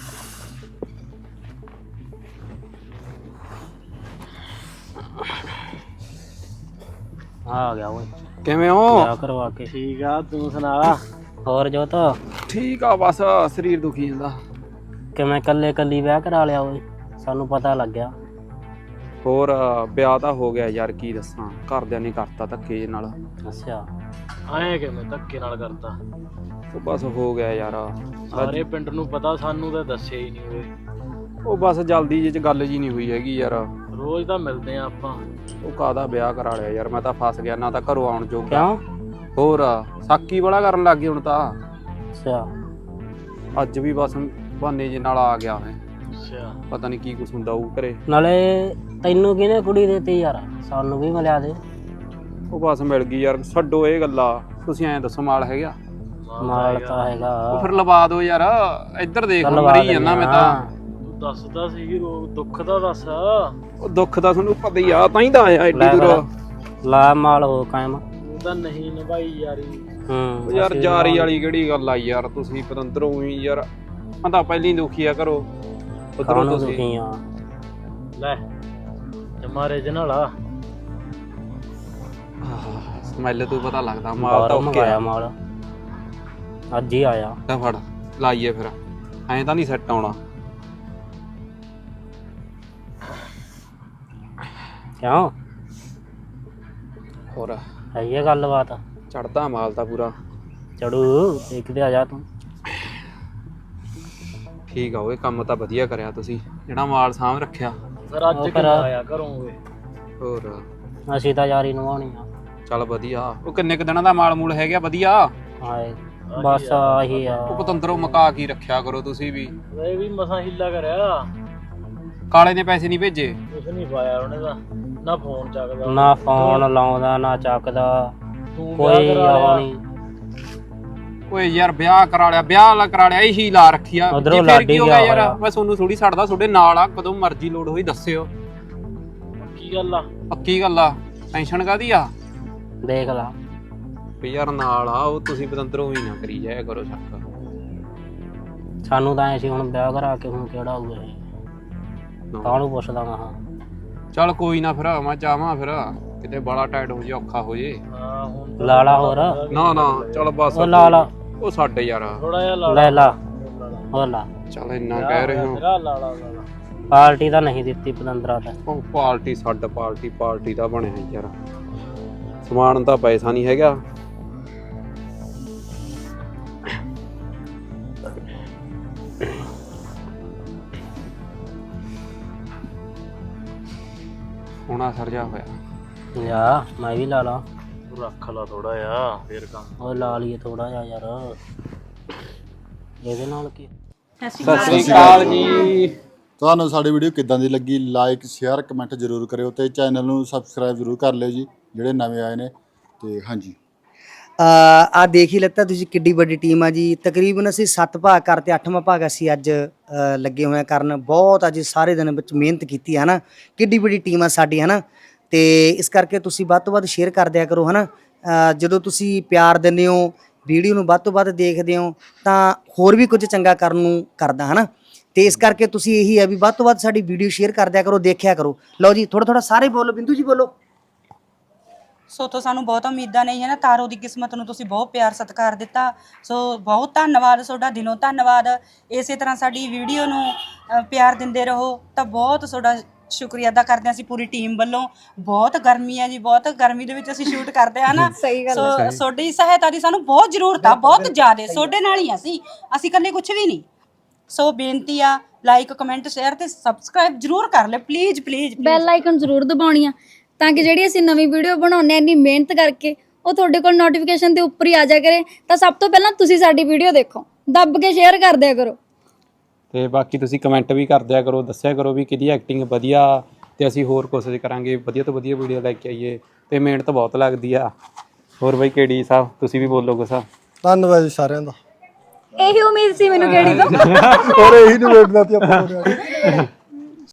K: ਆ ਗਿਆ ਓਏ,
G: ਕਿਵੇਂ ਹੋ?
K: ਵਿਆਹ ਕਰਵਾ ਕੇ। ਠੀਕ ਆ, ਤੂੰ ਸੁਣਾ? ਹੋਰ ਜੋਤ?
G: ਠੀਕ ਆ, ਬਸ ਸਰੀਰ ਦੁਖੀ ਜਾਂਦਾ।
K: ਕਿਵੇਂ ਕੱਲੀ ਵਿਆਹ ਕਰਾ ਲਿਆ ਓਏ? ਸਾਨੂੰ ਪਤਾ ਲੱਗਿਆ।
G: ਹੋਰ ਵਿਆਹ ਤਾਂ ਹੋ ਗਿਆ ਯਾਰ, ਕੀ ਦੱਸਾਂ, ਘਰਦਿਆਂ ਨੇ ਕਰਤਾ ਧੱਕੇ ਜਿਹੇ ਨਾਲ।
K: ਅੱਛਾ, ਆਏ ਕਿਵੇਂ ਧੱਕੇ ਨਾਲ ਕਰਤਾ?
G: ਉਹ ਬਸ ਹੋ ਗਿਆ ਯਾਰ,
K: ਸਾਰੇ ਪਿੰਡ ਨੂੰ ਪਤਾ, ਸਾਨੂੰ ਤਾਂ ਦੱਸਿਆ ਹੀ ਨਹੀਂ ਓਏ।
G: ਉਹ ਬਸ ਜਲਦੀ ਜਿਹੀ ਚ ਗੱਲ ਜੀ ਨਹੀਂ ਹੋਈ ਹੈਗੀ ਯਾਰ।
K: ਰੋਜ਼ ਤਾਂ ਮਿਲਦੇ ਆ ਆਪਾਂ।
G: ਉਹ ਕਾਹਦਾ ਵਿਆਹ ਕਰਾ ਲਿਆ ਯਾਰ, ਮੈਂ ਤਾਂ ਫਸ ਗਿਆ, ਨਾ ਤਾਂ ਘਰੋਂ ਆਉਣ ਜੋਗਾ।
K: ਕਿਉਂ?
G: ਹੋਰ ਸਾਕੀ ਬੜਾ ਕਰਨ ਲੱਗ ਗਈ ਹੁਣ ਤਾਂ।
K: ਅੱਛਾ।
G: ਅੱਜ ਵੀ ਬਸ ਬਹਾਨੇ ਜੇ ਨਾਲ ਆ ਗਿਆ ਮੈਂ।
K: ਅੱਛਾ,
G: ਪਤਾ ਨਹੀਂ ਕੀ ਕੁਛ ਹੁੰਦਾ ਉਹ ਘਰੇ।
K: ਨਾਲੇ ਤੈਨੂੰ ਕਿਹਨੇ ਕੁੜੀ ਦੇਤੀ ਯਾਰ? ਸਾਨੂੰ ਵੀ ਮਿਲਿਆ ਦੇ।
G: ਉਹ ਬਸ ਮਿਲ ਗਈ ਯਾਰ, ਛੱਡੋ ਇਹ ਗੱਲਾਂ, ਤੁਸੀਂ ਐਂ ਦੱਸੋ ਮਾਲ ਹੈਗਾ?
K: ਮਾਲ ਤਾਂ ਹੈਗਾ।
G: ਉਹ ਫਿਰ ਲਵਾ ਦਿਓ ਯਾਰ, ਇੱਧਰ ਦੇਖ ਮਰੀ ਜਾਂਦਾ ਮੈਂ ਤਾਂ।
K: ਦੱਸਦਾ ਸੀ ਦੁੱਖ ਦਾ ਦੱਸ।
G: ਉਹ ਦੁੱਖ ਦਾ ਤੁਹਾਨੂੰ ਪਤਾ ਹੀ ਆ, ਤਾਂ ਹੀ ਤਾਂ ਆਇਆ ਏਡੀ ਦੂਰ।
K: ਲਾ ਮਾਲ ਹੋ ਕਾਇਮ। ਉਹ ਤਾਂ ਨਹੀਂ ਨਿਭਾਈ ਯਾਰੀ।
G: ਉਹ ਯਾਰ ਜਾਰੀ ਵਾਲੀ ਕਿਹੜੀ ਗੱਲ ਆ ਯਾਰ, ਤੁਸੀਂ ਪਤੰਦਰੋਂ ਹੀ ਯਾਰ, ਮੈਂ ਤਾਂ ਪਹਿਲੀ ਦੁਖੀ ਆ ਕਰੋ ਉਧਰੋਂ ਤੁਸੀਂ।
K: ਦੁਖੀ ਆ ਲੈ ਜਮਾਰੇ ਜਨਾਲ ਆ।
G: ਸਮੈਲ ਤੋਂ ਪਤਾ ਲੱਗਦਾ ਮਾਲ ਤਾਂ ਓਕੇ ਆ।
K: ਮਾਲ ਅੱਜ ਹੀ ਆਇਆ।
G: ਤਾਂ ਫੜ ਲਾਈਏ ਫਿਰ, ਐਂ ਤਾਂ ਨਹੀਂ ਸੈੱਟ ਆਉਣਾ।
K: ਕਿਉਂ?
G: ਹੋਰ
K: ਹੈ ਇਹ ਗੱਲਬਾਤ?
G: ਚੜਦਾ ਮਾਲ ਤਾਂ ਪੂਰਾ
K: ਚੜੂ, ਦੇਖਦੇ ਆ ਜਾ ਤੂੰ।
G: ਠੀਕ ਆ, ਉਹ ਕੰਮ ਤਾਂ ਵਧੀਆ ਕਰਿਆ ਤੁਸੀਂ, ਜਿਹੜਾ ਮਾਲ ਸਾਂਭ ਰੱਖਿਆ।
K: ਫਿਰ ਅੱਜ ਕਿੱਦਾਂ ਆਇਆ ਕਰੋਗੇ?
G: ਹੋਰ
K: ਅਸੀਂ ਤਾਂ ਯਾਰੀ ਨਿਭਾਉਣੀ ਆ।
G: ਚੱਲ ਵਧੀਆ। ਉਹ ਕਿੰਨੇ ਕੁ ਦਿਨਾਂ ਦਾ ਮਾਲ ਮੂਲ ਹੈਗਾ ਵਧੀਆ?
K: ਹਾਏ ਬਸ ਆਹੀ ਆ।
G: ਉਹ ਪਤੰਦਰੋਂ ਮਕਾ ਕੀ ਰੱਖਿਆ ਕਰੋ ਤੁਸੀਂ ਵੀ।
K: ਇਹ ਵੀ ਮਸਾਂ ਹਿੱਲਾ ਕਰਿਆ।
G: ਕਾਲੇ ਨੇ ਪੈਸੇ ਨਹੀਂ ਭੇਜੇ?
K: ਕੁਛ ਨਹੀਂ ਪਾਇਆ ਉਹਨੇ ਤਾਂ, ਨਾ ਫੋਨ ਚੱਕਦਾ, ਨਾ ਫੋਨ ਲਾਉਂਦਾ, ਨਾ ਚੱਕਦਾ, ਕੋਈ ਉਹ ਨਹੀਂ।
G: ਓਏ ਯਾਰ ਵਿਆਹ ਕਰਾ ਲਿਆ, ਵਿਆਹ ਕਰਾ ਲਿਆ, ਇਹੀ ਲਾ ਰੱਖੀ ਆ।
K: ਉਧਰੋਂ
G: ਫਿਰ
K: ਲਾਡੀ
G: ਕੀ ਹੋ
K: ਗਿਆ
G: ਗਿਆ ਯਾਰ,
K: ਹੋਇਆ।
G: ਮੈਂ ਤੁਹਾਨੂੰ ਥੋੜੀ ਛੱਡਦਾ, ਤੁਹਾਡੇ ਨਾਲ ਆ, ਕਦੋਂ ਮਰਜ਼ੀ ਲੋੜ ਹੋਈ ਦੱਸਿਓ।
K: ਕੀ ਗੱਲ ਆ?
G: ਪੱਕੀ ਗੱਲ ਆ, ਟੈਨਸ਼ਨ ਕਾਦੀ ਆ?
K: ਦੇਖ ਲਾ
G: ਵੀ ਯਾਰ ਨਾਲ ਆ ਉਹ, ਤੁਸੀਂ ਪਤੰਦਰੋਂ ਹੀ ਨਾ ਕਰੀ ਜਾਇਆ ਕਰੋ ਸ਼ੱਕ।
K: ਸਾਨੂੰ ਤਾਂ ਐ ਸੀ ਹੁਣ ਵਿਆਹ ਕਰਾ ਕੇ ਹੁਣ ਕਿਹੜਾ ਹੋਊਗਾ ਇਹ, ਕਾਹਨੂੰ ਪੁੱਛਦਾ ਮੈਂ।
G: ਚੱਲ ਕੋਈ ਨਾ, ਫਿਰ ਮੈਂ ਚਾਹਾਂ ਫਿਰ ਕਿਤੇ ਬੜਾ ਟਾਈਟ ਹੋ ਜੇ, ਔਖਾ ਹੋ ਜੇ।
K: ਲਾਲਾ ਹੋਰ
G: ਨਾ ਨਾ ਚੱਲ ਬਸ।
K: ਉਹ ਲਾਲਾ
G: ਉਹ ਸਾਡੇ ਯਾਰ
K: ਲੈ ਲਾ, ਹੋਰ ਲਾ।
G: ਚੱਲ ਇੰਨਾ ਕਹਿ ਰਹੇ ਹੋ।
K: ਪਾਰਟੀ ਤਾਂ ਨਹੀਂ ਦਿੱਤੀ ਪਤੰਦਰਾ ਤਾਂ।
G: ਉਹ ਪਾਰਟੀ ਛੱਡ, ਪਾਰਟੀ ਦਾ ਬਣਿਆ ਯਾਰ, ਸਮਾਨ ਤਾਂ ਪੈਸਾ ਨਹੀਂ ਹੈਗਾ। ਹੁਣਾ ਸਰਜਾ ਹੋਇਆ
K: ਯਾ ਮੈਂ ਵੀ ਲਾ ਲਾ। ਰੱਖ ਲਾ ਥੋੜਾ ਜਿਹਾ ਫੇਰ ਕੰਮ। ਉਹ ਲਾ ਲਈਏ ਥੋੜਾ ਜਿਹਾ ਯਾਰ, ਇਹਦੇ ਨਾਲ ਕੀ।
G: ਸਤਿ ਸ੍ਰੀ ਅਕਾਲ ਜੀ।
L: ਤੁਹਾਨੂੰ ਸਾਡੀ ਵੀਡੀਓ ਕਿੱਦਾਂ ਦੀ ਲੱਗੀ? ਲਾਈਕ ਸ਼ੇਅਰ ਕਮੈਂਟ ਜ਼ਰੂਰ ਕਰਿਓ ਤੇ ਚੈਨਲ ਨੂੰ ਸਬਸਕ੍ਰਾਈਬ ਜ਼ਰੂਰ ਕਰ ਲਿਓ ਜੀ, ਜਿਹੜੇ ਨਵੇਂ ਆਏ ਨੇ। ਤੇ ਹਾਂਜੀ,
A: ਆ ਦੇਖ ਹੀ ਲੱਤਾ ਤੁਸੀਂ ਕਿੱਡੀ ਵੱਡੀ ਟੀਮ ਆ ਜੀ। ਤਕਰੀਬਨ ਅਸੀਂ 7 ਭਾਗ ਕਰਤੇ, 8ਵਾਂ ਭਾਗ ਅਸੀਂ ਅੱਜ ਲੱਗੇ ਹੋਏ ਕਰਨ। ਬਹੁਤ ਅੱਜ ਸਾਰੇ ਦਿਨ ਵਿੱਚ ਮਿਹਨਤ ਕੀਤੀ ਹੈ ਨਾ, ਕਿੱਡੀ ਵੱਡੀ ਟੀਮ ਆ ਸਾਡੀ ਹੈ ਨਾ। ਤੇ ਇਸ ਕਰਕੇ ਤੁਸੀਂ ਵੱਧ ਤੋਂ ਵੱਧ ਸ਼ੇਅਰ ਕਰ ਦਿਆ ਕਰੋ ਹੈ ਨਾ। ਜਦੋਂ ਤੁਸੀਂ ਪਿਆਰ ਦਿੰਦੇ ਹੋ, ਵੀਡੀਓ ਨੂੰ ਵੱਧ ਤੋਂ ਵੱਧ ਦੇਖਦੇ ਹੋ, ਤਾਂ ਹੋਰ ਵੀ ਕੁਝ ਚੰਗਾ ਕਰਨ ਨੂੰ ਕਰਦਾ ਹੈ ਨਾ। ਤੇ ਇਸ ਕਰਕੇ ਤੁਸੀਂ ਇਹੀ ਹੈ ਵੀ ਵੱਧ ਤੋਂ ਵੱਧ ਸਾਡੀ ਵੀਡੀਓ ਸ਼ੇਅਰ ਕਰ ਦਿਆ ਕਰੋ, ਦੇਖਿਆ ਕਰੋ। ਲਓ ਜੀ ਥੋੜਾ ਸਾਰੇ ਬੋਲੋ, ਬਿੰਦੂ ਜੀ ਬੋਲੋ।
C: ਸੋ ਤੋਂ ਸਾਨੂੰ ਬਹੁਤ ਉਮੀਦਾਂ ਨਹੀਂ ਹੈ ਨਾ, ਤਾਰੋ ਦੀ ਕਿਸਮਤ ਨੂੰ ਤੁਸੀਂ ਬਹੁਤ ਪਿਆਰ ਸਤਿਕਾਰ ਦਿੱਤਾ, ਸੋ ਬਹੁਤ ਧੰਨਵਾਦ ਤੁਹਾਡਾ, ਦਿਲੋਂ ਧੰਨਵਾਦ। ਇਸੇ ਤਰ੍ਹਾਂ ਸਾਡੀ ਵੀਡੀਓ ਨੂੰ ਪਿਆਰ ਦਿੰਦੇ ਰਹੋ, ਤਾਂ ਬਹੁਤ ਤੁਹਾਡਾ ਸ਼ੁਕਰੀਆ ਅਦਾ ਕਰਦੇ ਹਾਂ ਅਸੀਂ ਪੂਰੀ ਟੀਮ ਵੱਲੋਂ। ਬਹੁਤ ਗਰਮੀ ਹੈ ਜੀ, ਬਹੁਤ ਗਰਮੀ ਦੇ ਵਿੱਚ ਅਸੀਂ ਸ਼ੂਟ ਕਰਦੇ ਹਾਂ ਨਾ। ਸੋ ਤੁਹਾਡੀ ਸਹਾਇਤਾ ਦੀ ਸਾਨੂੰ ਬਹੁਤ ਜ਼ਰੂਰਤ ਆ, ਬਹੁਤ ਜ਼ਿਆਦਾ। ਤੁਹਾਡੇ ਨਾਲ ਹੀ ਅਸੀਂ ਇਕੱਲੇ ਕੁਝ ਵੀ ਨਹੀਂ। ਸੋ ਬੇਨਤੀ ਆ ਲਾਈਕ ਕਮੈਂਟ ਸ਼ੇਅਰ ਤੇ ਸਬਸਕ੍ਰਾਈਬ ਜ਼ਰੂਰ ਕਰ ਲੈ ਪਲੀਜ਼ ਪਲੀਜ਼
F: ਬੈਲ ਆਈਕਨ ਜ਼ਰੂਰ ਦਬਾਉਣੀ ਆ ਤਾਂ ਕਿ ਜਿਹੜੀ ਅਸੀਂ ਨਵੀਂ ਵੀਡੀਓ ਬਣਾਉਂਦੇ ਆ ਇੰਨੀ ਮਿਹਨਤ ਕਰਕੇ ਉਹ ਤੁਹਾਡੇ ਕੋਲ ਨੋਟੀਫਿਕੇਸ਼ਨ ਦੇ ਉੱਪਰ ਹੀ ਆ ਜਾ ਕਰੇ। ਤਾਂ ਸਭ ਤੋਂ ਪਹਿਲਾਂ ਤੁਸੀਂ ਸਾਡੀ ਵੀਡੀਓ ਦੇਖੋ, ਦੱਬ ਕੇ ਸ਼ੇਅਰ ਕਰ ਦਿਆ ਕਰੋ।
G: ਤੇ ਬਾਕੀ ਤੁਸੀਂ ਕਮੈਂਟ ਵੀ ਕਰ ਦਿਆ ਕਰੋ, ਦੱਸਿਆ ਕਰੋ ਵੀ ਕਿਹਦੀ ਐਕਟਿੰਗ ਵਧੀਆ, ਤੇ ਅਸੀਂ ਹੋਰ ਕੋਸ਼ਿਸ਼ ਕਰਾਂਗੇ ਵਧੀਆ ਤੋਂ ਵਧੀਆ ਵੀਡੀਓ ਲੈ ਕੇ ਆਈਏ। ਤੇ ਮਿਹਨਤ ਬਹੁਤ ਲੱਗਦੀ ਆ। ਹੋਰ ਬਾਈ KD ਸਾਹਿਬ ਤੁਸੀਂ ਵੀ ਬੋਲੋ ਕੁਛ।
M: ਧੰਨਵਾਦ ਜੀ ਸਾਰਿਆਂ ਦਾ।
F: ਇਹੀ ਉਮੀਦ ਸੀ ਮੈਨੂੰ ਕਿਹੜੀ ਤੋਂ
M: ਹੋਰ ਇਹੀ ਨੂੰ ਵੇਖਦਾ ਸੀ ਆਪਾਂ